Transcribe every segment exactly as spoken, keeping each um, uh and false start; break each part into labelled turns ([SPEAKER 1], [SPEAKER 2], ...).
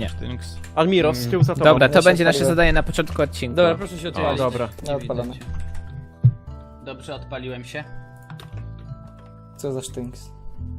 [SPEAKER 1] Nie.
[SPEAKER 2] Sztynks.
[SPEAKER 3] Admiros, z tyłu za tobą.
[SPEAKER 1] Dobra, to
[SPEAKER 4] Ja się
[SPEAKER 1] będzie nasze
[SPEAKER 4] odpaliłem.
[SPEAKER 1] zadanie na początku odcinka.
[SPEAKER 5] Dobra, proszę się
[SPEAKER 2] O,
[SPEAKER 5] odpalić.
[SPEAKER 3] dobra.
[SPEAKER 4] Ja odpalam.
[SPEAKER 5] Dobrze, odpaliłem się.
[SPEAKER 4] Co za sztynks?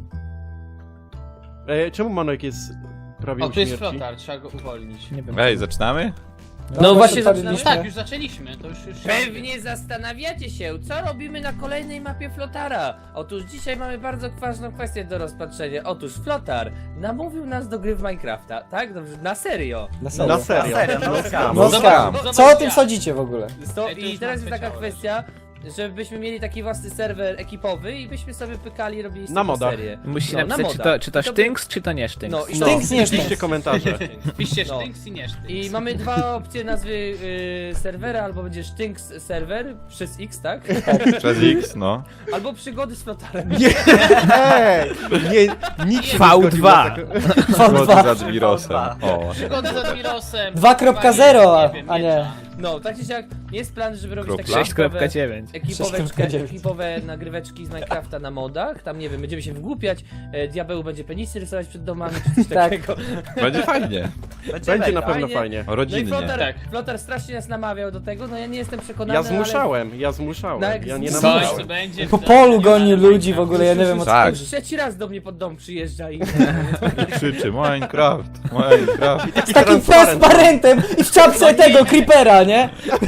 [SPEAKER 3] E, czemu Manojek jest prawie
[SPEAKER 5] O,
[SPEAKER 3] u
[SPEAKER 5] tu jest
[SPEAKER 3] śmierci?
[SPEAKER 5] flotar, trzeba go uwolnić.
[SPEAKER 1] Nie wiem.
[SPEAKER 2] Ej, zaczynamy?
[SPEAKER 5] No właśnie
[SPEAKER 4] odpaliliśmy.
[SPEAKER 5] zaczynamy. Tak, już zaczęliśmy, to już... już
[SPEAKER 6] Pewnie zastanawiacie się, co robimy na kolejnej mapie Flotara. Otóż dzisiaj mamy bardzo ważną kwestię do rozpatrzenia. Otóż Flotar namówił nas do gry w Minecrafta, tak? Dobrze, na serio.
[SPEAKER 4] Na serio.
[SPEAKER 3] Na serio.
[SPEAKER 2] No,
[SPEAKER 4] Moskwa.
[SPEAKER 5] Zobacz,
[SPEAKER 4] Co o tym
[SPEAKER 5] ja.
[SPEAKER 4] sądzicie w ogóle?
[SPEAKER 6] To,
[SPEAKER 5] Ej, to
[SPEAKER 6] I
[SPEAKER 5] już
[SPEAKER 6] teraz
[SPEAKER 5] mam
[SPEAKER 6] jest taka
[SPEAKER 5] ciało
[SPEAKER 6] kwestia, żebyśmy mieli taki własny serwer ekipowy i byśmy sobie pykali i robili z
[SPEAKER 3] Na
[SPEAKER 6] tego
[SPEAKER 3] modach.
[SPEAKER 6] serię.
[SPEAKER 1] Musicie
[SPEAKER 6] No, na
[SPEAKER 1] napisać, czy
[SPEAKER 6] modach.
[SPEAKER 1] to, czy to
[SPEAKER 6] I to by-
[SPEAKER 1] sztynks, czy to nie sztynks.
[SPEAKER 6] No, i
[SPEAKER 3] No,
[SPEAKER 4] Sztynks, nie
[SPEAKER 3] piszcie
[SPEAKER 4] sztynks.
[SPEAKER 3] komentarze.
[SPEAKER 5] Piszcie
[SPEAKER 6] No.
[SPEAKER 5] sztynks i nie sztynks.
[SPEAKER 6] I mamy dwa opcje nazwy y, serwera, albo będzie Sztynks serwer przez X, tak?
[SPEAKER 2] Przez X, no.
[SPEAKER 6] Albo przygody z Flotarem.
[SPEAKER 3] Nie, ej, nie, nikt się
[SPEAKER 1] V
[SPEAKER 3] nie zgodził
[SPEAKER 1] dwa.
[SPEAKER 3] na taką-
[SPEAKER 2] Zgodzi z Admirosem. O.
[SPEAKER 5] Przygody z Admirosem.
[SPEAKER 4] dwa kropka zero,
[SPEAKER 5] wiem,
[SPEAKER 4] a nie.
[SPEAKER 5] miecza.
[SPEAKER 6] No, tak czy siak, jest plan, żeby robić takie
[SPEAKER 2] Kropla?
[SPEAKER 1] sześć kropka dziewięć.
[SPEAKER 6] Ekipoweczkę,
[SPEAKER 4] sześć kropka dziewięć.
[SPEAKER 6] ekipowe nagryweczki z Minecrafta na modach. Tam nie wiem, będziemy się wgłupiać. E, Diabeł będzie penisy rysować przed domami czy coś
[SPEAKER 4] Tak.
[SPEAKER 6] takiego.
[SPEAKER 2] Będzie fajnie.
[SPEAKER 3] Będzie na pewno
[SPEAKER 6] Fajnie.
[SPEAKER 3] fajnie.
[SPEAKER 2] O
[SPEAKER 6] No i
[SPEAKER 2] rodzinnie.
[SPEAKER 6] Flotar,
[SPEAKER 5] Tak.
[SPEAKER 6] Flotar strasznie nas namawiał do tego, no ja nie jestem przekonany.
[SPEAKER 3] Ja zmuszałem, ja zmuszałem,
[SPEAKER 6] Tak,
[SPEAKER 3] ja nie
[SPEAKER 6] coś
[SPEAKER 5] Coś
[SPEAKER 3] namawiałem.
[SPEAKER 5] tu będzie.
[SPEAKER 4] Po polu goni ludzi w ogóle, ja nie wiem o co
[SPEAKER 2] Tak.
[SPEAKER 4] chodzi.
[SPEAKER 6] Ale trzeci raz do mnie pod dom przyjeżdża i...
[SPEAKER 2] Krzyczy Minecraft, Minecraft.
[SPEAKER 4] Z takim transparentem i w czapce tego creepera, nie?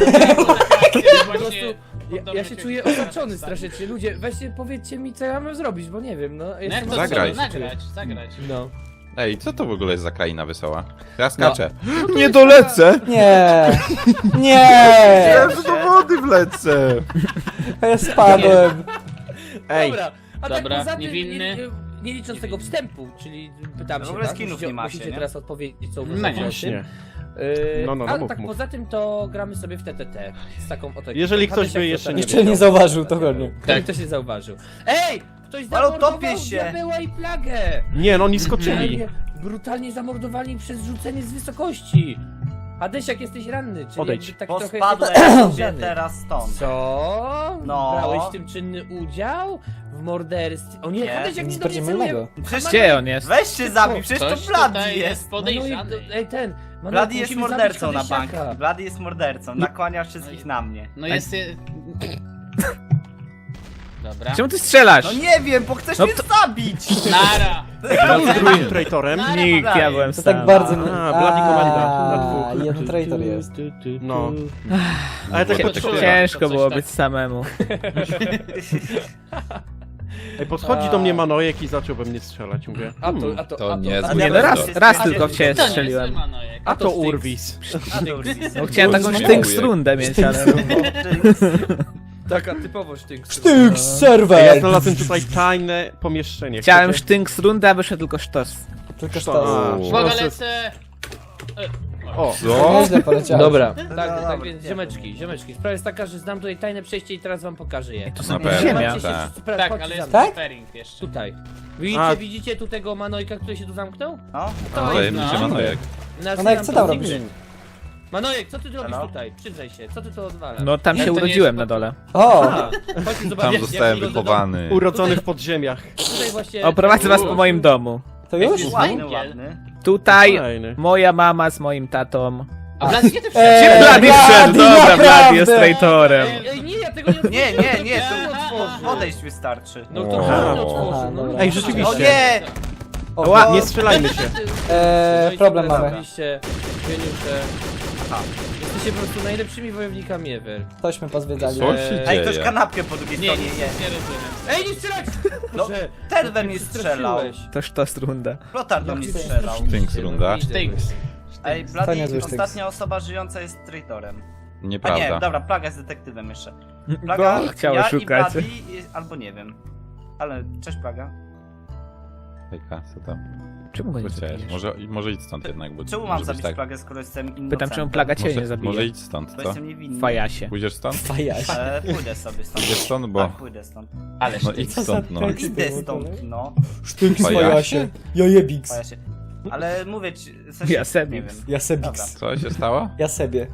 [SPEAKER 6] Po prostu ja, ja się czuję osaczony strasznie. Ludzie, weźcie powiedzcie mi, co ja mam zrobić, bo nie wiem, no...
[SPEAKER 5] No jak
[SPEAKER 6] Jestem
[SPEAKER 5] to
[SPEAKER 2] Zagraj.
[SPEAKER 5] co? Nagrać, zagrać.
[SPEAKER 6] No.
[SPEAKER 2] Ej, co to w ogóle jest za kraina wesoła? Ja skaczę.
[SPEAKER 6] No
[SPEAKER 2] Nie dolecę!
[SPEAKER 4] Nie. Nie.
[SPEAKER 2] Ja do wody wlecę!
[SPEAKER 4] Ja spadłem.
[SPEAKER 3] Ej,
[SPEAKER 6] Dobra, a
[SPEAKER 5] Dobra,
[SPEAKER 6] tak poza tym,
[SPEAKER 5] niewinny.
[SPEAKER 6] nie, nie licząc tego wstępu, czyli pytam
[SPEAKER 7] No w
[SPEAKER 6] się,
[SPEAKER 7] ogóle
[SPEAKER 6] tak?
[SPEAKER 7] skinów
[SPEAKER 6] musicie,
[SPEAKER 7] nie macie,
[SPEAKER 6] musicie
[SPEAKER 7] nie?
[SPEAKER 6] teraz odpowiedzieć, co
[SPEAKER 5] No
[SPEAKER 6] uważacie o
[SPEAKER 3] właśnie.
[SPEAKER 6] tym. Yy,
[SPEAKER 3] No, no, no,
[SPEAKER 6] a
[SPEAKER 3] mów,
[SPEAKER 6] tak
[SPEAKER 3] mów.
[SPEAKER 6] poza tym to gramy sobie w T T T z taką oto
[SPEAKER 3] Jeżeli
[SPEAKER 6] ekipą.
[SPEAKER 3] ktoś by
[SPEAKER 6] Hadesiak
[SPEAKER 3] jeszcze
[SPEAKER 6] to
[SPEAKER 3] nie
[SPEAKER 6] tak-
[SPEAKER 4] Jeszcze nie zauważył, to godnie.
[SPEAKER 6] Tak, ktoś nie zauważył. Ej! Ktoś
[SPEAKER 7] Ale
[SPEAKER 6] zamordował
[SPEAKER 7] utopię się.
[SPEAKER 6] Diabeła i Plagę!
[SPEAKER 3] nie, no oni skoczyli.
[SPEAKER 6] Brutalnie, brutalnie zamordowani przez rzucenie z wysokości. Hadesiak, jesteś ranny, czyli
[SPEAKER 3] Odejdź.
[SPEAKER 6] jakby tak
[SPEAKER 7] Bo
[SPEAKER 6] trochę...
[SPEAKER 7] spadłem sobie
[SPEAKER 6] Żany.
[SPEAKER 7] teraz stąd.
[SPEAKER 6] Co?
[SPEAKER 7] No.
[SPEAKER 6] Brałeś w tym czynny udział? W morderstwie? O nie,
[SPEAKER 7] Nie,
[SPEAKER 6] Hadesiak nie
[SPEAKER 4] nic bardziej
[SPEAKER 6] dowiecuje.
[SPEAKER 4] mylnego.
[SPEAKER 7] Przecież
[SPEAKER 1] Gdzie on jest?
[SPEAKER 7] weź się zabij, przecież to
[SPEAKER 5] Coś
[SPEAKER 7] Blady
[SPEAKER 5] tutaj
[SPEAKER 7] jest.
[SPEAKER 5] jest podejrzany.
[SPEAKER 6] Manojek, ej ten, Manojek,
[SPEAKER 7] Blady jest
[SPEAKER 6] musimy
[SPEAKER 7] mordercą
[SPEAKER 6] zabić
[SPEAKER 7] na bank.
[SPEAKER 6] Hadesiaka.
[SPEAKER 7] Blady jest mordercą, nakłania wszystkich na mnie.
[SPEAKER 5] No jest... je- Dobra.
[SPEAKER 1] Czemu ty strzelasz?
[SPEAKER 7] No nie wiem, bo chcesz
[SPEAKER 1] No
[SPEAKER 7] mnie zabić!
[SPEAKER 5] Nara!
[SPEAKER 3] Kto drugim traitorem?
[SPEAKER 1] Nikt, ja byłem
[SPEAKER 4] To
[SPEAKER 1] sam.
[SPEAKER 4] tak bardzo...
[SPEAKER 3] A, Bloody Commander na
[SPEAKER 4] A,
[SPEAKER 3] dwóch.
[SPEAKER 4] jeden traitor jest.
[SPEAKER 3] No. Ale tak
[SPEAKER 2] Było
[SPEAKER 3] pod...
[SPEAKER 2] to
[SPEAKER 5] Czuję.
[SPEAKER 1] Ciężko
[SPEAKER 5] To coś
[SPEAKER 1] było
[SPEAKER 5] tak.
[SPEAKER 1] być samemu.
[SPEAKER 3] Ej, podchodzi do mnie Manojek i zaczął we mnie strzelać. Mówię,
[SPEAKER 6] A to,
[SPEAKER 3] hmm,
[SPEAKER 6] a to,
[SPEAKER 2] To
[SPEAKER 6] a to,
[SPEAKER 2] nie
[SPEAKER 6] a
[SPEAKER 2] jest
[SPEAKER 1] Nie, no
[SPEAKER 2] Dobra.
[SPEAKER 1] raz, raz tylko w ciebie
[SPEAKER 5] To nie
[SPEAKER 1] strzeliłem.
[SPEAKER 5] jest Manojek.
[SPEAKER 3] a to
[SPEAKER 6] Sztynks.
[SPEAKER 3] Urwis.
[SPEAKER 7] A to już
[SPEAKER 1] No chciałem taką
[SPEAKER 2] Dziękuję.
[SPEAKER 1] sztynks rundę mieć, ale...
[SPEAKER 6] Taka typowo sztynks.
[SPEAKER 4] Sztynks
[SPEAKER 3] Ej, ja
[SPEAKER 4] serwer!
[SPEAKER 3] znalazłem tutaj tajne pomieszczenie.
[SPEAKER 1] Chciałem
[SPEAKER 3] Chcecie?
[SPEAKER 1] sztynks rundę, a wyszedł tylko sztos.
[SPEAKER 4] Tylko
[SPEAKER 3] A,
[SPEAKER 4] sztos.
[SPEAKER 5] Uwaga,
[SPEAKER 3] proszę.
[SPEAKER 5] lecę!
[SPEAKER 3] O,
[SPEAKER 2] Co?
[SPEAKER 4] Nieźle poleciałeś.
[SPEAKER 6] Dobra, tak,
[SPEAKER 7] No,
[SPEAKER 6] tak
[SPEAKER 7] dobra,
[SPEAKER 6] więc
[SPEAKER 7] nie
[SPEAKER 6] ziomeczki, ziomeczki. Sprawa jest taka, że znam tutaj tajne przejście i teraz wam pokażę je.
[SPEAKER 1] To
[SPEAKER 2] Na
[SPEAKER 1] są
[SPEAKER 2] pewno,
[SPEAKER 1] ziemia.
[SPEAKER 6] Macie się
[SPEAKER 2] tak.
[SPEAKER 6] wszyscy pra-
[SPEAKER 5] Tak,
[SPEAKER 6] chodźcie
[SPEAKER 5] ale
[SPEAKER 6] za
[SPEAKER 5] jest
[SPEAKER 6] mną.
[SPEAKER 4] Tak?
[SPEAKER 5] preparing jeszcze.
[SPEAKER 6] Tutaj. Widzicie,
[SPEAKER 3] A.
[SPEAKER 6] widzicie tu tego Manojka, który się tu zamknął?
[SPEAKER 7] No,
[SPEAKER 6] To
[SPEAKER 2] To
[SPEAKER 6] jest
[SPEAKER 2] jest
[SPEAKER 5] no.
[SPEAKER 2] Manojek.
[SPEAKER 6] Nazywa
[SPEAKER 4] Manojek, co tam
[SPEAKER 6] Plastic
[SPEAKER 4] robisz?
[SPEAKER 6] Gry. Manojek, co ty robisz
[SPEAKER 7] Hello?
[SPEAKER 6] tutaj? Przyznaj się, co ty tu odwalasz?
[SPEAKER 1] No tam
[SPEAKER 5] Nie,
[SPEAKER 1] się
[SPEAKER 5] to nie
[SPEAKER 1] urodziłem
[SPEAKER 5] jest-
[SPEAKER 1] na dole.
[SPEAKER 4] O!
[SPEAKER 6] A, chodźcie zobaczyć,
[SPEAKER 2] Tam
[SPEAKER 6] jak
[SPEAKER 2] zostałem
[SPEAKER 6] wygląda
[SPEAKER 2] wychowany.
[SPEAKER 3] urodzony w podziemiach.
[SPEAKER 6] dom. Tutaj właśnie...
[SPEAKER 1] Oprowadzę was po moim domu.
[SPEAKER 4] To już?
[SPEAKER 5] Jest
[SPEAKER 7] ładny,
[SPEAKER 5] węgiel.
[SPEAKER 7] ładny.
[SPEAKER 1] Tutaj
[SPEAKER 3] Fajny.
[SPEAKER 1] moja mama z moim tatą.
[SPEAKER 5] A Blady, gdzie ty wszedłeś?
[SPEAKER 4] Eee,
[SPEAKER 1] Blady wszedł, dobra,
[SPEAKER 4] naprawdę.
[SPEAKER 1] Blady jest traitorem.
[SPEAKER 6] Ej, ej, nie, ja tego nie
[SPEAKER 7] Nie, nie, nie,
[SPEAKER 5] Aha,
[SPEAKER 7] to
[SPEAKER 5] aha.
[SPEAKER 7] odejść wystarczy.
[SPEAKER 6] No to
[SPEAKER 2] Wow.
[SPEAKER 6] żadne otworzył,
[SPEAKER 4] Aha,
[SPEAKER 6] no
[SPEAKER 4] dobra.
[SPEAKER 3] Ej,
[SPEAKER 7] O
[SPEAKER 3] rzeczywiście.
[SPEAKER 7] nie!
[SPEAKER 4] O,
[SPEAKER 1] Ła-
[SPEAKER 3] Nie strzelajmy się.
[SPEAKER 4] Eee, problem mamy.
[SPEAKER 6] Oczywiście, geniusze. Jesteście po prostu najlepszymi wojownikami ever.
[SPEAKER 4] Tośmy pozwiedzali.
[SPEAKER 2] Co się
[SPEAKER 7] Ej, ktoś
[SPEAKER 2] dzieje?
[SPEAKER 7] kanapkę po drugiej
[SPEAKER 5] Nie,
[SPEAKER 7] stronie
[SPEAKER 5] nic
[SPEAKER 7] je.
[SPEAKER 5] nie rozumiem.
[SPEAKER 6] Ej, nie strzelać!
[SPEAKER 7] No,
[SPEAKER 6] Boże,
[SPEAKER 7] ten we
[SPEAKER 6] ty
[SPEAKER 7] mnie
[SPEAKER 6] przestraszyłeś.
[SPEAKER 7] strzelał.
[SPEAKER 1] To sztos runda.
[SPEAKER 7] Flotar do
[SPEAKER 6] Jak
[SPEAKER 7] mnie
[SPEAKER 6] ty
[SPEAKER 7] strzelał.
[SPEAKER 6] przestraszyłeś,
[SPEAKER 2] Sztynks runda.
[SPEAKER 6] widzę.
[SPEAKER 5] Sztynks.
[SPEAKER 7] Ej,
[SPEAKER 4] To
[SPEAKER 7] Blady,
[SPEAKER 4] niezły sztyks.
[SPEAKER 7] ostatnia osoba żyjąca jest traitorem. A nie,
[SPEAKER 2] Nieprawda.
[SPEAKER 7] dobra, Plaga jest detektywem jeszcze. Plaga,
[SPEAKER 1] Bo chciała
[SPEAKER 7] ja
[SPEAKER 1] szukać.
[SPEAKER 7] i Blady, i- albo nie wiem. Ale, cześć Plaga.
[SPEAKER 2] Hejka, co tam?
[SPEAKER 1] Czemu go nie
[SPEAKER 2] Co chciałeś?
[SPEAKER 1] zabijesz?
[SPEAKER 2] Może, może idź stąd jednak, bo
[SPEAKER 7] Czemu
[SPEAKER 2] może
[SPEAKER 7] mam
[SPEAKER 2] być
[SPEAKER 7] zabić
[SPEAKER 2] tak.
[SPEAKER 7] Plagę, skoro jestem innocentem?
[SPEAKER 1] Pytam, czemu plaga cię nie
[SPEAKER 2] Może,
[SPEAKER 1] zabije.
[SPEAKER 2] może idź stąd,
[SPEAKER 7] Bo
[SPEAKER 2] co?
[SPEAKER 7] jestem niewinny.
[SPEAKER 1] Fajasie.
[SPEAKER 2] Pójdziesz stąd?
[SPEAKER 4] Fajaś.
[SPEAKER 7] Ale pójdę sobie stąd.
[SPEAKER 2] Pójdziesz stąd, bo...
[SPEAKER 7] Tak, pójdę stąd.
[SPEAKER 5] Ale
[SPEAKER 2] No idź stąd, no.
[SPEAKER 4] tekst?
[SPEAKER 7] Idę stąd, no.
[SPEAKER 4] Sztynks
[SPEAKER 2] Fajasie.
[SPEAKER 4] fajasie. Jajebiks.
[SPEAKER 7] Boję się. Ale mówię ci, w sensie,
[SPEAKER 1] Ja
[SPEAKER 7] nie
[SPEAKER 1] sobie.
[SPEAKER 7] wiem.
[SPEAKER 4] Ja sebiks.
[SPEAKER 2] Co się stało?
[SPEAKER 4] Ja sobie.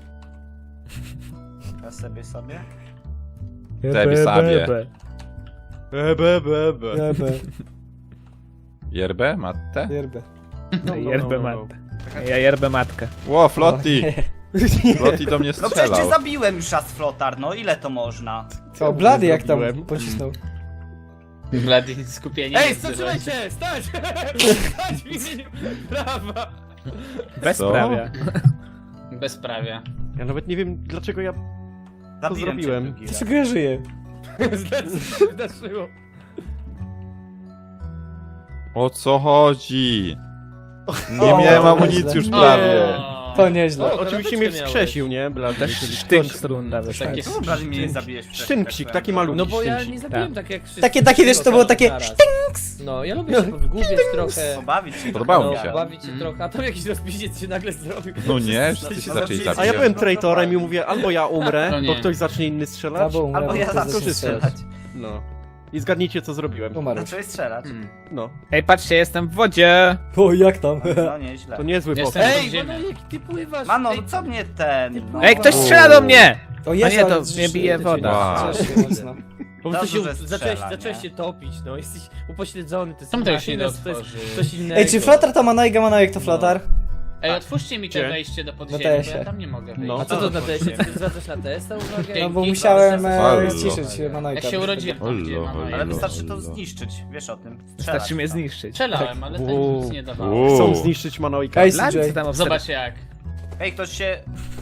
[SPEAKER 7] Ja sobie sobie.
[SPEAKER 2] Sobie, sobie.
[SPEAKER 3] Be, be, be, be.
[SPEAKER 4] Jebe.
[SPEAKER 2] Yerbę? Mattę?
[SPEAKER 4] Jebe.
[SPEAKER 3] No, no,
[SPEAKER 1] Yerbę
[SPEAKER 3] no, no.
[SPEAKER 1] matę. Ja jerbę matkę.
[SPEAKER 2] Ło, Flotti! Flotti do mnie
[SPEAKER 7] No przecież cię
[SPEAKER 2] strzelał.
[SPEAKER 7] zabiłem już raz flotar, no ile to można?
[SPEAKER 4] O, blady jak tam
[SPEAKER 3] Zrobiłem.
[SPEAKER 4] pocisnął.
[SPEAKER 5] Blady, skupienie.
[SPEAKER 6] Ej,
[SPEAKER 5] jest
[SPEAKER 6] zatrzymajcie! Stać! Stać w imieniu prawa!
[SPEAKER 1] Bezprawia.
[SPEAKER 5] Bezprawia.
[SPEAKER 3] Ja nawet nie wiem dlaczego ja...
[SPEAKER 7] Zabiłem cię
[SPEAKER 3] zrobiłem?
[SPEAKER 7] drugi raz.
[SPEAKER 4] Dlaczego ja żyję?
[SPEAKER 6] Zdarzyło.
[SPEAKER 2] O co chodzi?
[SPEAKER 4] O,
[SPEAKER 2] Nie miałem
[SPEAKER 4] to
[SPEAKER 2] amunicji
[SPEAKER 4] źle.
[SPEAKER 2] już prawie.
[SPEAKER 5] O,
[SPEAKER 4] To nieźle.
[SPEAKER 6] O,
[SPEAKER 3] Oczywiście mnie
[SPEAKER 6] miałeś.
[SPEAKER 3] wskrzesił, nie? Blady.
[SPEAKER 1] Też
[SPEAKER 3] Czyli
[SPEAKER 1] sztynk
[SPEAKER 3] ktoś-
[SPEAKER 1] z runda wyszła.
[SPEAKER 5] Takie
[SPEAKER 7] Czemu Blady mnie nie zabiłeś wcześniej?
[SPEAKER 3] Sztynksik,
[SPEAKER 7] tak
[SPEAKER 3] taki
[SPEAKER 7] powiem?
[SPEAKER 3] malutki
[SPEAKER 6] No bo ja
[SPEAKER 3] sztynksik.
[SPEAKER 6] nie zabiłem tak jak wszyscy.
[SPEAKER 4] Takie, takie wiesz, to było takie
[SPEAKER 6] naraz.
[SPEAKER 4] sztynks!
[SPEAKER 6] No, ja lubię się wgłubiać trochę.
[SPEAKER 7] Pobawić się.
[SPEAKER 2] Podobało
[SPEAKER 6] No,
[SPEAKER 2] mi się.
[SPEAKER 6] bawić się trochę, a tam jakiś rozpiździec się nagle zrobił.
[SPEAKER 2] No nie, wszyscy się zaczęli
[SPEAKER 7] A
[SPEAKER 3] A
[SPEAKER 2] zabić.
[SPEAKER 3] ja byłem
[SPEAKER 7] No to
[SPEAKER 3] traitorem i
[SPEAKER 7] fajnie.
[SPEAKER 3] mówię, albo ja umrę,
[SPEAKER 5] To nie.
[SPEAKER 3] bo ktoś zacznie inny strzelać,
[SPEAKER 4] Albo umrę,
[SPEAKER 7] Albo
[SPEAKER 4] bo
[SPEAKER 7] ja
[SPEAKER 4] to
[SPEAKER 7] zaczął
[SPEAKER 4] zacznie
[SPEAKER 7] strzelać.
[SPEAKER 3] no. I zgadnijcie co zrobiłem.
[SPEAKER 4] Umarł.
[SPEAKER 7] Zacząłeś strzelać.
[SPEAKER 3] No.
[SPEAKER 1] Ej, patrzcie, jestem w wodzie.
[SPEAKER 4] O, jak tam?
[SPEAKER 7] No nieźle.
[SPEAKER 3] To niezły
[SPEAKER 5] Jestem-
[SPEAKER 3] pomysł.
[SPEAKER 6] Ej,
[SPEAKER 5] Ziemia.
[SPEAKER 6] Mano, jak ty pływasz?
[SPEAKER 7] Mano,
[SPEAKER 6] Ej,
[SPEAKER 7] co mnie ten... No.
[SPEAKER 1] Ej, ktoś strzela do mnie!
[SPEAKER 4] O,
[SPEAKER 1] A
[SPEAKER 4] jest,
[SPEAKER 1] nie, to
[SPEAKER 4] ale
[SPEAKER 1] mnie bije woda.
[SPEAKER 2] Wow.
[SPEAKER 4] mocno.
[SPEAKER 6] Po prostu się,
[SPEAKER 7] Dobrze, że
[SPEAKER 6] zacząłeś,
[SPEAKER 7] strzela,
[SPEAKER 6] zacząłeś
[SPEAKER 7] nie?
[SPEAKER 6] się topić, no, jesteś upośledzony, to jest
[SPEAKER 5] Czemu tego się
[SPEAKER 6] inna-
[SPEAKER 5] nie
[SPEAKER 6] to jest
[SPEAKER 5] otworzy?
[SPEAKER 6] coś innego.
[SPEAKER 4] Ej, czy flotar to Manojga, Manojek to flotar?
[SPEAKER 5] Ej, otwórzcie mi te
[SPEAKER 3] Gdzie?
[SPEAKER 5] wejście do
[SPEAKER 4] Na
[SPEAKER 5] podziemi,
[SPEAKER 4] T
[SPEAKER 5] bo
[SPEAKER 4] S-ie.
[SPEAKER 5] ja tam nie mogę wejść.
[SPEAKER 3] No.
[SPEAKER 6] A co to na teście? Ty zwracasz na testa uwagę?
[SPEAKER 4] No bo
[SPEAKER 5] Dzięki,
[SPEAKER 4] musiałem e,
[SPEAKER 2] Halo.
[SPEAKER 4] ściszyć Manojka.
[SPEAKER 5] Jak się urodziłem tam, gdzie
[SPEAKER 2] Halo,
[SPEAKER 5] mama
[SPEAKER 2] halo.
[SPEAKER 5] jest.
[SPEAKER 7] Ale wystarczy to
[SPEAKER 2] Lolo.
[SPEAKER 7] zniszczyć, wiesz o tym. Strzelać
[SPEAKER 1] Wystarczy mnie
[SPEAKER 7] to.
[SPEAKER 1] zniszczyć.
[SPEAKER 5] Strzelałem, ale to
[SPEAKER 3] Uuu.
[SPEAKER 5] nic nie dawało.
[SPEAKER 2] Uuu.
[SPEAKER 3] Chcą zniszczyć Manojka.
[SPEAKER 4] Ej,
[SPEAKER 1] Blady,
[SPEAKER 4] C
[SPEAKER 1] co tam obserw-
[SPEAKER 5] Zobacz jak.
[SPEAKER 7] Ej, ktoś się...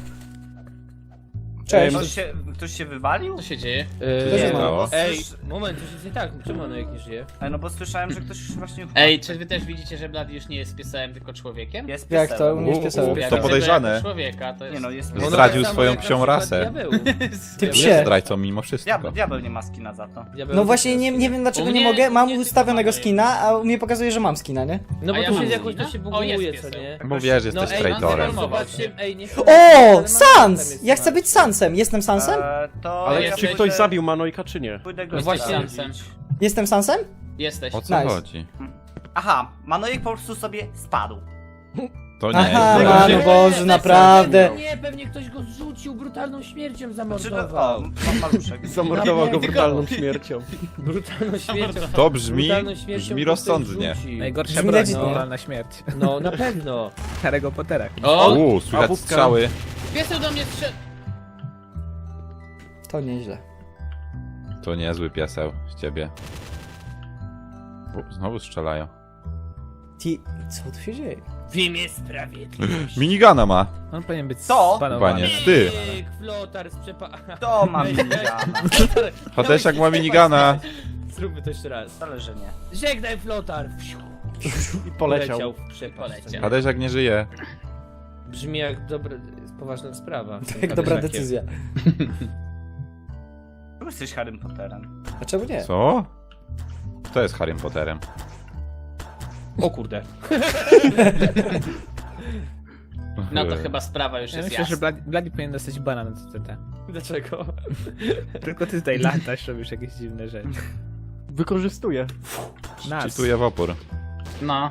[SPEAKER 4] Cześć.
[SPEAKER 7] Ktoś się, ktoś się wywalił?
[SPEAKER 5] Co się dzieje?
[SPEAKER 4] Co się
[SPEAKER 6] Eee,
[SPEAKER 2] stało?
[SPEAKER 6] Ej, moment, to się nie tak, czemu Manojek nie żyje?
[SPEAKER 7] Ej, no bo słyszałem, że ktoś właśnie...
[SPEAKER 5] Ej, czy wy też widzicie, że Blady już nie jest piesem, tylko człowiekiem?
[SPEAKER 7] Jest
[SPEAKER 4] Jak to?
[SPEAKER 7] piesem.
[SPEAKER 4] U mnie jest
[SPEAKER 2] U,
[SPEAKER 4] pieseł.
[SPEAKER 2] u,
[SPEAKER 5] Ja
[SPEAKER 2] to
[SPEAKER 5] widzę
[SPEAKER 2] podejrzane.
[SPEAKER 5] go jako człowieka, to jest...
[SPEAKER 7] Nie no, jest
[SPEAKER 2] No
[SPEAKER 7] piesem.
[SPEAKER 2] zdradził
[SPEAKER 6] tak samo
[SPEAKER 2] swoją
[SPEAKER 6] jak na
[SPEAKER 2] psią
[SPEAKER 6] przykład
[SPEAKER 2] rasę.
[SPEAKER 6] Diabeł.
[SPEAKER 4] Ty
[SPEAKER 2] Jest
[SPEAKER 4] psie.
[SPEAKER 2] zdrajcą mimo wszystko.
[SPEAKER 7] Diabeł, diabeł nie ma skina za to.
[SPEAKER 6] Diabeł
[SPEAKER 4] No
[SPEAKER 6] też
[SPEAKER 4] właśnie
[SPEAKER 6] jest.
[SPEAKER 4] nie, nie wiem dlaczego
[SPEAKER 5] U
[SPEAKER 4] nie
[SPEAKER 5] mnie-
[SPEAKER 4] mogę,
[SPEAKER 5] u
[SPEAKER 4] mam
[SPEAKER 5] mnie
[SPEAKER 4] ustawionego
[SPEAKER 5] tylko
[SPEAKER 4] skina, a u mnie pokazuje, że mam skina, nie?
[SPEAKER 6] No
[SPEAKER 5] A
[SPEAKER 6] bo
[SPEAKER 5] ja
[SPEAKER 6] tu
[SPEAKER 5] mam
[SPEAKER 6] się jakoś to
[SPEAKER 5] skina?
[SPEAKER 6] się
[SPEAKER 5] O, jest
[SPEAKER 6] buguje, co
[SPEAKER 5] pieseł.
[SPEAKER 6] nie?
[SPEAKER 2] Bo wiesz, jesteś
[SPEAKER 6] ej,
[SPEAKER 2] traitorem.
[SPEAKER 6] no, zobaczcie, ej, nie
[SPEAKER 4] O!
[SPEAKER 6] ale mam- tam
[SPEAKER 4] Sans!
[SPEAKER 6] jest
[SPEAKER 4] Ja chcę być Sansem. Jestem Sansem?
[SPEAKER 7] Eee, to
[SPEAKER 3] Ale
[SPEAKER 7] ja
[SPEAKER 5] jest-
[SPEAKER 3] czy
[SPEAKER 7] pójdę-
[SPEAKER 3] ktoś zabił Manojka, czy nie?
[SPEAKER 7] Pójdę go
[SPEAKER 5] No
[SPEAKER 6] właśnie,
[SPEAKER 7] sprawdzić.
[SPEAKER 5] Sansem.
[SPEAKER 4] Jestem Sansem?
[SPEAKER 5] Jesteś.
[SPEAKER 2] O co
[SPEAKER 4] Nice.
[SPEAKER 2] chodzi?
[SPEAKER 7] Aha, Manojek po prostu sobie spadł.
[SPEAKER 2] To nie
[SPEAKER 4] Aha,
[SPEAKER 2] jest.
[SPEAKER 3] Aha,
[SPEAKER 4] no
[SPEAKER 3] nie,
[SPEAKER 4] Boże, naprawdę.
[SPEAKER 6] Nie, pewnie ktoś go zrzucił, brutalną śmiercią
[SPEAKER 7] Czy no, o,
[SPEAKER 6] zamordował.
[SPEAKER 7] ma- maluszek.
[SPEAKER 3] Zamordował go
[SPEAKER 6] Nie,
[SPEAKER 3] brutalną śmiercią.
[SPEAKER 6] Brutalną śmiercią.
[SPEAKER 2] To brzmi,
[SPEAKER 6] brutalną śmiercią
[SPEAKER 2] brzmi
[SPEAKER 6] ktoś
[SPEAKER 2] rozsądnie.
[SPEAKER 6] rzucił.
[SPEAKER 1] Najgorsza
[SPEAKER 4] Brzmi
[SPEAKER 1] broń,
[SPEAKER 4] legit,
[SPEAKER 1] no,
[SPEAKER 4] nie?
[SPEAKER 1] na śmierć.
[SPEAKER 6] No, na pewno.
[SPEAKER 1] Harry'ego Pottera.
[SPEAKER 5] O!
[SPEAKER 2] Uuu, słychać
[SPEAKER 3] wódka?
[SPEAKER 2] strzały.
[SPEAKER 5] Pieseł do mnie strzel...
[SPEAKER 4] To nieźle.
[SPEAKER 2] To niezły pieseł z ciebie. U, znowu strzelają.
[SPEAKER 4] Ti... Co tu się dzieje?
[SPEAKER 6] W imię sprawiedliwości.
[SPEAKER 2] Minigana ma.
[SPEAKER 1] On powinien być
[SPEAKER 7] Co?
[SPEAKER 1] spanowany.
[SPEAKER 2] Panie, ty.
[SPEAKER 6] Ej, flotar z przepa...
[SPEAKER 7] To mam minigana.
[SPEAKER 2] Hadesiak ma minigana.
[SPEAKER 6] Zróbmy to jeszcze raz.
[SPEAKER 7] Wcale, że nie.
[SPEAKER 6] Żegnaj flotar.
[SPEAKER 3] I poleciał.
[SPEAKER 6] w przepaść.
[SPEAKER 5] Poleciał.
[SPEAKER 2] Hadesiak nie żyje.
[SPEAKER 6] Brzmi jak dobra, poważna sprawa.
[SPEAKER 4] Jak dobra decyzja.
[SPEAKER 7] Czemu jesteś Harrym Potterem?
[SPEAKER 4] A czemu nie?
[SPEAKER 2] Co? Kto jest Harrym Potterem?
[SPEAKER 6] O kurde.
[SPEAKER 5] No to chyba sprawa już
[SPEAKER 1] Ja
[SPEAKER 5] jest
[SPEAKER 1] myślę, że
[SPEAKER 5] jasna.
[SPEAKER 1] Bladi, Bladi powinien dostać bana na C T.
[SPEAKER 6] Dlaczego?
[SPEAKER 1] Tylko ty tutaj latasz, robisz jakieś dziwne rzeczy.
[SPEAKER 3] Wykorzystuję.
[SPEAKER 1] Nas.
[SPEAKER 2] Czytuję w opór.
[SPEAKER 5] No.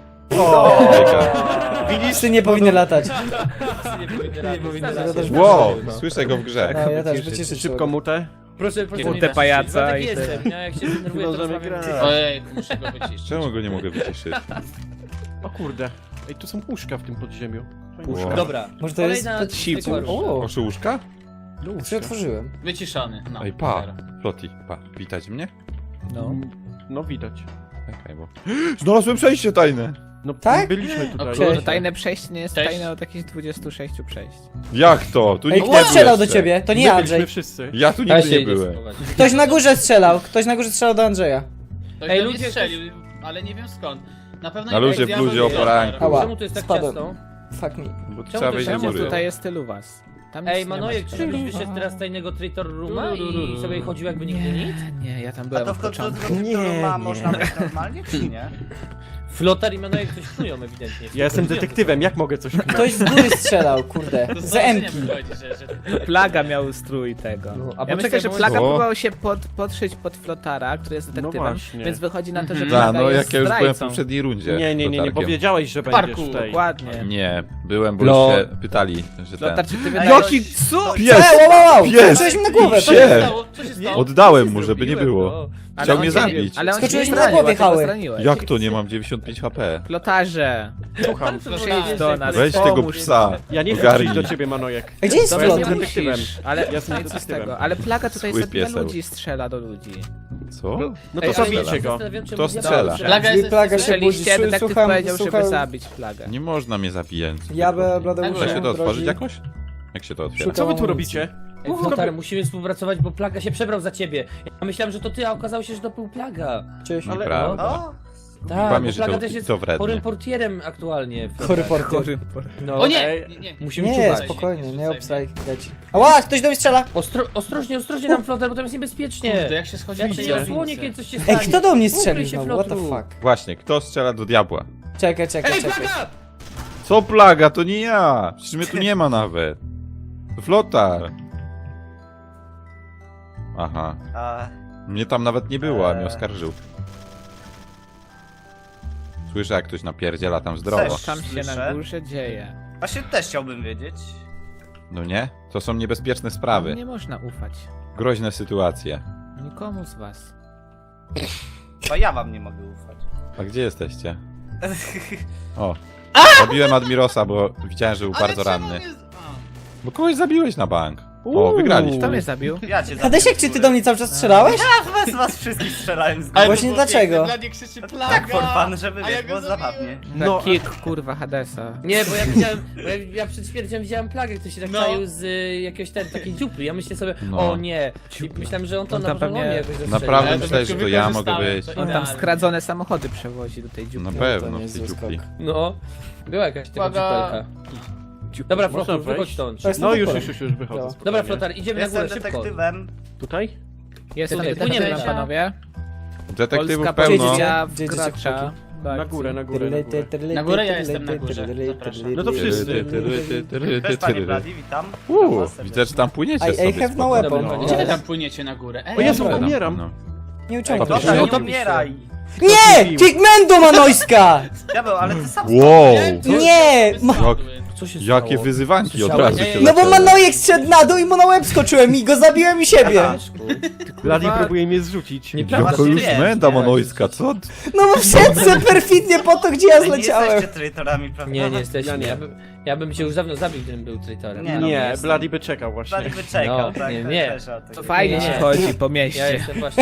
[SPEAKER 4] Widzisz, ty nie powinny latać.
[SPEAKER 6] Nie powinny
[SPEAKER 4] Nie powinny
[SPEAKER 6] latać.
[SPEAKER 4] latać.
[SPEAKER 2] Wow, słyszę go w grze.
[SPEAKER 4] No, ja też wyciszyć
[SPEAKER 3] Szybko mutę.
[SPEAKER 6] Proszę, proszę
[SPEAKER 5] Kurde
[SPEAKER 6] nie wyciszyć.
[SPEAKER 1] pajaca
[SPEAKER 6] Władek
[SPEAKER 1] i
[SPEAKER 6] jestem,
[SPEAKER 1] tyle.
[SPEAKER 6] ja jak się denerwuję, to
[SPEAKER 3] Możemy
[SPEAKER 6] rozmawiam
[SPEAKER 3] grać.
[SPEAKER 6] cicho.
[SPEAKER 5] Ojej, muszę go wyciszyć.
[SPEAKER 2] Czemu go nie mogę wyciszyć?
[SPEAKER 3] O kurde. Ej, tu są łóżka w tym podziemiu.
[SPEAKER 2] Wow.
[SPEAKER 6] Dobra.
[SPEAKER 4] Może to jest
[SPEAKER 6] Kolejna
[SPEAKER 1] siłą.
[SPEAKER 6] zwykła róża.
[SPEAKER 4] O,
[SPEAKER 2] Oszy łóżka?
[SPEAKER 4] co ja otworzyłem?
[SPEAKER 5] Wyciszony, no.
[SPEAKER 2] Ej, pa.
[SPEAKER 5] Zero.
[SPEAKER 2] Floti, pa. Witać mnie?
[SPEAKER 1] No.
[SPEAKER 3] No widać.
[SPEAKER 2] Czekaj, bo... Znalazłem przejście tajne!
[SPEAKER 3] No
[SPEAKER 4] Tak?
[SPEAKER 3] byliśmy tutaj.
[SPEAKER 5] O
[SPEAKER 1] Że
[SPEAKER 5] kurde.
[SPEAKER 1] tajne przejście nie jest
[SPEAKER 5] Cześć.
[SPEAKER 1] tajne od jakichś dwudziestu sześciu przejść.
[SPEAKER 2] Jak to? Tu
[SPEAKER 4] Ej,
[SPEAKER 2] nikt nie
[SPEAKER 4] kto
[SPEAKER 2] był
[SPEAKER 4] strzelał do
[SPEAKER 2] jeszcze.
[SPEAKER 4] ciebie? To nie
[SPEAKER 3] My
[SPEAKER 4] Andrzej.
[SPEAKER 3] byliśmy wszyscy.
[SPEAKER 2] Ja tu
[SPEAKER 6] Ja
[SPEAKER 2] nigdy
[SPEAKER 6] się
[SPEAKER 2] nie
[SPEAKER 6] idę
[SPEAKER 2] byłem.
[SPEAKER 6] schować.
[SPEAKER 4] Ktoś na górze strzelał. Ktoś na górze strzelał do Andrzeja.
[SPEAKER 5] Ktoś
[SPEAKER 6] Ej,
[SPEAKER 5] do mnie
[SPEAKER 6] ludzie,
[SPEAKER 5] strzelił, ale nie wiem skąd. Na pewno
[SPEAKER 2] Na
[SPEAKER 5] nie
[SPEAKER 2] luzie,
[SPEAKER 5] był
[SPEAKER 2] w luzie,
[SPEAKER 5] diabeł,
[SPEAKER 2] o poranku.
[SPEAKER 4] Ała.
[SPEAKER 6] Czemu tu jest tak
[SPEAKER 4] Spadłem.
[SPEAKER 6] ciasno?
[SPEAKER 4] Fuck me.
[SPEAKER 2] Bo tu
[SPEAKER 6] Czemu
[SPEAKER 2] trzeba
[SPEAKER 6] to
[SPEAKER 2] wejść
[SPEAKER 6] się
[SPEAKER 2] do
[SPEAKER 1] Czemu
[SPEAKER 2] góry.
[SPEAKER 1] tutaj jest tylu was? Tam nic
[SPEAKER 6] Ej,
[SPEAKER 1] nie ma
[SPEAKER 6] Manojek, czy
[SPEAKER 1] ciekawego.
[SPEAKER 6] byś wyszedł teraz z tajnego Traitor Rooma i sobie chodził jakby nigdy nic?
[SPEAKER 1] Nie, nie, ja tam
[SPEAKER 7] A
[SPEAKER 1] byłem
[SPEAKER 7] to
[SPEAKER 1] od
[SPEAKER 7] w końcu
[SPEAKER 1] początku.
[SPEAKER 7] do
[SPEAKER 3] Nie,
[SPEAKER 7] tego ma
[SPEAKER 3] nie.
[SPEAKER 7] można być normalnie, czy nie?
[SPEAKER 6] Flotar i Manojek coś knują ewidentnie.
[SPEAKER 3] Ja jestem detektywem, jak mogę coś kmać?
[SPEAKER 4] Ktoś z góry strzelał, kurde.
[SPEAKER 5] To
[SPEAKER 4] Z
[SPEAKER 5] zobaczenie
[SPEAKER 4] Emki.
[SPEAKER 5] wychodzi, że, że...
[SPEAKER 1] Plaga miał strój tego.
[SPEAKER 6] No, a
[SPEAKER 1] ja
[SPEAKER 6] poczekaj,
[SPEAKER 1] myślę, że
[SPEAKER 6] bo-
[SPEAKER 1] Plaga
[SPEAKER 2] O.
[SPEAKER 1] próbował się pod, podszyć pod Flotara, który jest detektywem,
[SPEAKER 3] właśnie.
[SPEAKER 1] więc wychodzi na to, że
[SPEAKER 5] Mhm.
[SPEAKER 1] Plaga
[SPEAKER 2] Da, no
[SPEAKER 1] jest
[SPEAKER 2] jak ja już byłem w
[SPEAKER 1] zdrajcą.
[SPEAKER 2] poprzedniej rundzie.
[SPEAKER 3] Nie, nie, nie, nie,
[SPEAKER 2] Flotarkiem.
[SPEAKER 3] powiedziałeś, że
[SPEAKER 5] Parku,
[SPEAKER 3] będziesz tutaj.
[SPEAKER 1] Dokładnie.
[SPEAKER 2] Nie, byłem, bo
[SPEAKER 1] No.
[SPEAKER 2] już się pytali, że ten...
[SPEAKER 1] Flotar, czy ty
[SPEAKER 7] Ej,
[SPEAKER 1] wydajesz...
[SPEAKER 2] Jaki
[SPEAKER 7] co?
[SPEAKER 2] pies!
[SPEAKER 4] Ej, wow, wow, wow!
[SPEAKER 2] Pies!
[SPEAKER 4] Przejdź mi na głowę.
[SPEAKER 5] Co
[SPEAKER 2] Psie!
[SPEAKER 5] się stało? Co się stało?
[SPEAKER 2] Oddałem mu, żeby nie
[SPEAKER 6] Zrobiłem
[SPEAKER 2] było.
[SPEAKER 6] to.
[SPEAKER 1] Ale
[SPEAKER 2] Chciał
[SPEAKER 1] on
[SPEAKER 2] mnie
[SPEAKER 1] cię-
[SPEAKER 2] zabić.
[SPEAKER 1] Ale on
[SPEAKER 4] Skoczyłeś
[SPEAKER 1] cię
[SPEAKER 4] na
[SPEAKER 1] nie zranił,
[SPEAKER 4] głowie,
[SPEAKER 1] a ty go
[SPEAKER 4] Hały.
[SPEAKER 1] zraniłeś.
[SPEAKER 2] Jak to nie mam dziewięćdziesiąt pięć H P?
[SPEAKER 1] Flotarze,
[SPEAKER 3] Słucham.
[SPEAKER 1] proszę idź do nas.
[SPEAKER 2] Weź tego
[SPEAKER 1] pomóż
[SPEAKER 2] psa.
[SPEAKER 1] nam.
[SPEAKER 3] Ja nie chcę
[SPEAKER 2] Ogarnij.
[SPEAKER 3] przyjść do ciebie, Manojek.
[SPEAKER 4] A gdzie jest
[SPEAKER 3] Dobra,
[SPEAKER 4] flot?
[SPEAKER 3] jestem
[SPEAKER 1] Nie
[SPEAKER 3] detektywem.
[SPEAKER 1] musisz, ale
[SPEAKER 3] Ja jestem
[SPEAKER 1] no i co z
[SPEAKER 3] detektywem.
[SPEAKER 1] tego? Ale plaga tutaj
[SPEAKER 2] Zły
[SPEAKER 1] zabija
[SPEAKER 2] pieseł.
[SPEAKER 1] ludzi, strzela do ludzi.
[SPEAKER 2] Co?
[SPEAKER 3] No to
[SPEAKER 6] Ej, ale
[SPEAKER 3] zabijcie
[SPEAKER 6] ja się
[SPEAKER 3] go.
[SPEAKER 6] zastanawiam, czemu
[SPEAKER 2] To
[SPEAKER 6] diabeł
[SPEAKER 2] strzela.
[SPEAKER 6] strzela.
[SPEAKER 5] Plaga jest
[SPEAKER 4] Plaga się
[SPEAKER 1] Strzeliście,
[SPEAKER 4] budzi,
[SPEAKER 1] detektyw
[SPEAKER 4] słucham,
[SPEAKER 1] powiedział, żeby
[SPEAKER 4] słucham.
[SPEAKER 1] zabić plagę.
[SPEAKER 2] Nie można mnie zabijać.
[SPEAKER 4] Ja by
[SPEAKER 5] Na
[SPEAKER 4] Bladeuszem
[SPEAKER 5] górę.
[SPEAKER 2] Da się to otworzyć
[SPEAKER 4] grozi.
[SPEAKER 2] jakoś? Jak się to otwiera?
[SPEAKER 4] Szukam
[SPEAKER 3] Co wy tu
[SPEAKER 4] amunicji.
[SPEAKER 3] robicie?
[SPEAKER 6] Ej, Flotar, musimy współpracować, bo Plaga się przebrał za ciebie. Ja myślałem, że to ty, a okazało się, że to był Plaga.
[SPEAKER 4] Cześć.
[SPEAKER 3] Ale-
[SPEAKER 2] Nieprawda.
[SPEAKER 7] O,
[SPEAKER 6] Tak,
[SPEAKER 2] Kłamie,
[SPEAKER 6] bo
[SPEAKER 2] że
[SPEAKER 6] Plaga
[SPEAKER 2] to-
[SPEAKER 6] też jest
[SPEAKER 2] to wredne.
[SPEAKER 6] chorym portierem aktualnie. Flotar.
[SPEAKER 4] Chory porter.
[SPEAKER 6] No,
[SPEAKER 5] O nie!
[SPEAKER 3] Ej,
[SPEAKER 5] nie, nie.
[SPEAKER 6] Musimy
[SPEAKER 4] Nie,
[SPEAKER 6] czuwać.
[SPEAKER 4] spokojnie, nie
[SPEAKER 5] rzucaj
[SPEAKER 4] obstraj, leci. Ała, ktoś do mnie strzela!
[SPEAKER 6] Ostro, ostrożnie, ostrożnie nam Flotar, bo tam jest niebezpiecznie.
[SPEAKER 5] Kurde, jak się schodzi
[SPEAKER 6] Jak
[SPEAKER 5] po
[SPEAKER 6] się
[SPEAKER 5] tej
[SPEAKER 6] nie
[SPEAKER 5] drabince.
[SPEAKER 6] osłonie, kiedy coś się
[SPEAKER 4] Ej,
[SPEAKER 6] stanie.
[SPEAKER 4] kto do mnie
[SPEAKER 6] Ukryj
[SPEAKER 4] strzelił
[SPEAKER 6] się,
[SPEAKER 4] znowu? What the
[SPEAKER 6] Flotru.
[SPEAKER 4] fuck?
[SPEAKER 2] Właśnie, kto strzela do diabła?
[SPEAKER 4] Czekaj, czekaj,
[SPEAKER 6] Ej,
[SPEAKER 4] czekaj.
[SPEAKER 6] Plaga!
[SPEAKER 2] Co plaga? To nie ja! Przecież mnie tu nie ma nawet. To Flotar. Aha.
[SPEAKER 7] a,
[SPEAKER 2] Mnie tam nawet nie było, a mnie
[SPEAKER 7] Eee.
[SPEAKER 2] oskarżył. Słyszę, jak ktoś napierdziela tam zdrowo.
[SPEAKER 7] Też.
[SPEAKER 1] Tam się na
[SPEAKER 7] Słyszę.
[SPEAKER 1] górze dzieje.
[SPEAKER 7] właśnie też chciałbym wiedzieć.
[SPEAKER 2] No nie? To są niebezpieczne sprawy.
[SPEAKER 1] Nie można ufać.
[SPEAKER 2] Groźne sytuacje.
[SPEAKER 1] Nikomu z was.
[SPEAKER 7] Bo ja wam nie mogę ufać.
[SPEAKER 2] A gdzie jesteście? O. Zabiłem Admirosa, bo widziałem, że był bardzo ranny. Bo kogoś zabiłeś na bank. O,
[SPEAKER 1] Kto
[SPEAKER 2] wygraliśmy.
[SPEAKER 1] mnie zabił?
[SPEAKER 7] Ja cię
[SPEAKER 4] Hadesiek, czy ty do mnie cały czas strzelałeś?
[SPEAKER 7] Ja was, was wszystkich strzelałem z
[SPEAKER 5] Ale
[SPEAKER 4] Właśnie
[SPEAKER 5] to było
[SPEAKER 4] dlaczego?
[SPEAKER 5] piękne, Blady krzyczy plaga!
[SPEAKER 7] Tak for fun, żeby
[SPEAKER 5] a ja
[SPEAKER 7] wiesz,
[SPEAKER 5] go
[SPEAKER 7] było
[SPEAKER 5] zabiłem.
[SPEAKER 7] zabawnie.
[SPEAKER 1] No,
[SPEAKER 3] No,
[SPEAKER 1] kick, kurwa, Hadesa.
[SPEAKER 6] Nie, bo ja widziałem, bo ja, ja przed śmiercią widziałem Plagę, ktoś się tak
[SPEAKER 5] No.
[SPEAKER 6] czaił z y, jakiegoś ten, takiej dziupli. Ja myślę sobie,
[SPEAKER 2] No.
[SPEAKER 6] o nie. I myślałem, że on to
[SPEAKER 1] On
[SPEAKER 6] na
[SPEAKER 1] tam
[SPEAKER 6] pewno
[SPEAKER 1] pewnie-
[SPEAKER 6] mnie jakoś zastrzelił.
[SPEAKER 2] Naprawdę
[SPEAKER 5] Ale to
[SPEAKER 2] myślałeś, że
[SPEAKER 5] tylko
[SPEAKER 2] to ja mogę
[SPEAKER 5] wykorzystałem,
[SPEAKER 2] być.
[SPEAKER 5] to
[SPEAKER 1] On tam
[SPEAKER 5] idealnie.
[SPEAKER 1] skradzone samochody przewozi do tej dziupli.
[SPEAKER 2] Na
[SPEAKER 4] To
[SPEAKER 2] pewno
[SPEAKER 4] nie
[SPEAKER 2] w
[SPEAKER 4] jest
[SPEAKER 2] tej
[SPEAKER 4] zły
[SPEAKER 2] dziupli.
[SPEAKER 4] skok.
[SPEAKER 6] No, była jakaś taka
[SPEAKER 5] Plaga.
[SPEAKER 6] dziupelka. Dobra,
[SPEAKER 3] Można
[SPEAKER 6] Flotar, wychodź
[SPEAKER 3] wejść?
[SPEAKER 6] stąd.
[SPEAKER 4] To jest
[SPEAKER 3] No
[SPEAKER 4] na
[SPEAKER 3] już,
[SPEAKER 4] pole.
[SPEAKER 3] już, już, już wychodzę.
[SPEAKER 4] Dobra.
[SPEAKER 3] spokojnie.
[SPEAKER 6] Dobra, Flotar, idziemy na
[SPEAKER 7] Jestem
[SPEAKER 6] górę, szybko.
[SPEAKER 7] detektywem.
[SPEAKER 2] Tutaj?
[SPEAKER 1] Jestem
[SPEAKER 6] Tutaj,
[SPEAKER 1] detektywem,
[SPEAKER 6] płyniemy.
[SPEAKER 1] panowie.
[SPEAKER 2] Detektywów
[SPEAKER 1] Polska
[SPEAKER 2] pełno.
[SPEAKER 1] policja
[SPEAKER 4] Gdzie idziecie,
[SPEAKER 1] wkracza. do
[SPEAKER 3] Na
[SPEAKER 1] akcji.
[SPEAKER 3] górę, na górę, na górę.
[SPEAKER 5] Na górę, ja jestem na górze. Zapraszam.
[SPEAKER 3] No to wszyscy.
[SPEAKER 7] Też panie Blady, witam.
[SPEAKER 2] Uuu, widzę, że tam płyniecie
[SPEAKER 4] I, I
[SPEAKER 2] sobie
[SPEAKER 4] have no
[SPEAKER 2] spoko.
[SPEAKER 4] weapon.
[SPEAKER 6] Dobra,
[SPEAKER 5] Gdzie wy
[SPEAKER 4] No.
[SPEAKER 5] tam płyniecie na górę? Ej,
[SPEAKER 3] O Jezu,
[SPEAKER 4] Dobra.
[SPEAKER 3] umieram.
[SPEAKER 2] No.
[SPEAKER 4] Nie uciągnę.
[SPEAKER 7] Dobra,
[SPEAKER 3] No
[SPEAKER 7] nie
[SPEAKER 3] to-
[SPEAKER 7] umieraj.
[SPEAKER 4] Nie! Pigmento Manojska!
[SPEAKER 7] Diabeł, ale ty sam
[SPEAKER 2] Wow!
[SPEAKER 4] Nie! Ma...
[SPEAKER 2] Jak,
[SPEAKER 6] Co się stało?
[SPEAKER 2] jakie wyzywanki od
[SPEAKER 6] Słyszałeś?
[SPEAKER 2] razu
[SPEAKER 6] Nie,
[SPEAKER 2] się
[SPEAKER 6] nie,
[SPEAKER 4] No bo
[SPEAKER 2] zaczęły.
[SPEAKER 4] Manojek zszedł na dół i mu na łeb skoczyłem i go zabiłem i siebie.
[SPEAKER 7] Aha.
[SPEAKER 3] Bladi próbuje mnie zrzucić.
[SPEAKER 6] Nieprawda.
[SPEAKER 2] Jaka już
[SPEAKER 7] Nie,
[SPEAKER 2] menda
[SPEAKER 7] nie.
[SPEAKER 2] manojska, co?
[SPEAKER 4] No bo wszedł se perfidnie po to, gdzie ja
[SPEAKER 7] Ej, nie
[SPEAKER 4] zleciałem.
[SPEAKER 7] jesteście traitorami, prawda?
[SPEAKER 6] Nie, nie jesteśmy.
[SPEAKER 3] Ja nie.
[SPEAKER 6] Ja, bym, ja bym cię już dawno zabił, gdybym był traitorem.
[SPEAKER 7] Nie, no,
[SPEAKER 3] Nie,
[SPEAKER 7] jestem.
[SPEAKER 3] Bladi by czekał właśnie.
[SPEAKER 7] Blady wyczekał,
[SPEAKER 6] No,
[SPEAKER 7] tak?
[SPEAKER 6] nie,
[SPEAKER 7] to
[SPEAKER 6] nie.
[SPEAKER 7] też o tym.
[SPEAKER 1] To fajnie
[SPEAKER 6] Nie.
[SPEAKER 1] ci chodzi po
[SPEAKER 6] Ja
[SPEAKER 1] mieście.
[SPEAKER 6] jestem właśnie...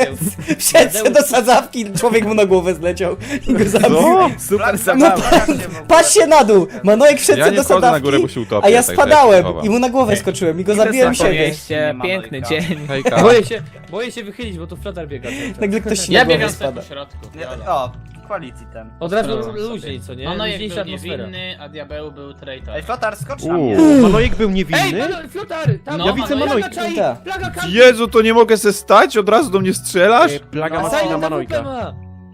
[SPEAKER 4] Wszedł se do sadzawki, człowiek mu na głowę zleciał i go zabił.
[SPEAKER 2] Co?
[SPEAKER 1] Super
[SPEAKER 7] Bla-
[SPEAKER 1] zabawa.
[SPEAKER 7] Bla- się w ogóle-
[SPEAKER 4] Patrz się na dół! Manojek wszedł
[SPEAKER 2] Ja
[SPEAKER 4] se
[SPEAKER 2] nie
[SPEAKER 4] do
[SPEAKER 2] wchodzę na górę, bo
[SPEAKER 4] sadzawki,
[SPEAKER 2] się utopię.
[SPEAKER 4] a ja
[SPEAKER 2] tak, tak,
[SPEAKER 4] spadałem
[SPEAKER 2] tak,
[SPEAKER 4] i mu na głowę skoczyłem i go
[SPEAKER 1] Idę
[SPEAKER 4] zabiłem
[SPEAKER 1] sobie po
[SPEAKER 4] siebie.
[SPEAKER 1] mieście,
[SPEAKER 7] Nie ma
[SPEAKER 1] piękny
[SPEAKER 7] Manojka.
[SPEAKER 1] dzień.
[SPEAKER 2] Hejka.
[SPEAKER 6] Boję się, boję się wychylić, bo tu Flotar biega. cały czas.
[SPEAKER 4] Nagle ktoś się
[SPEAKER 5] Ja
[SPEAKER 4] na głowę
[SPEAKER 5] biegam sobie
[SPEAKER 4] spada.
[SPEAKER 5] po środku.
[SPEAKER 7] Nie, o, quality ten.
[SPEAKER 6] Od razu
[SPEAKER 5] Sprawdzam
[SPEAKER 6] luźniej, co nie?
[SPEAKER 5] No, no jak
[SPEAKER 6] Luźniejsza
[SPEAKER 5] był
[SPEAKER 6] atmosfera.
[SPEAKER 5] niewinny, a diabeł był traitor.
[SPEAKER 7] Ej, Flotar, skocz na
[SPEAKER 2] Uuu.
[SPEAKER 7] mnie.
[SPEAKER 3] Manojek był
[SPEAKER 6] Ej,
[SPEAKER 3] niewinny?
[SPEAKER 6] Mano, Flotar! Tam,
[SPEAKER 5] No,
[SPEAKER 3] Ja widzę
[SPEAKER 5] Manojek.
[SPEAKER 3] Manojka.
[SPEAKER 6] Plaga czai!
[SPEAKER 4] Tak.
[SPEAKER 6] Plaga kampi!
[SPEAKER 2] Jezu, to nie mogę se stać? Od razu do mnie strzelasz?
[SPEAKER 3] Ej, Plaga
[SPEAKER 7] No,
[SPEAKER 3] ma
[SPEAKER 6] Silent
[SPEAKER 3] na
[SPEAKER 6] A W P
[SPEAKER 3] Manojka.
[SPEAKER 6] ma!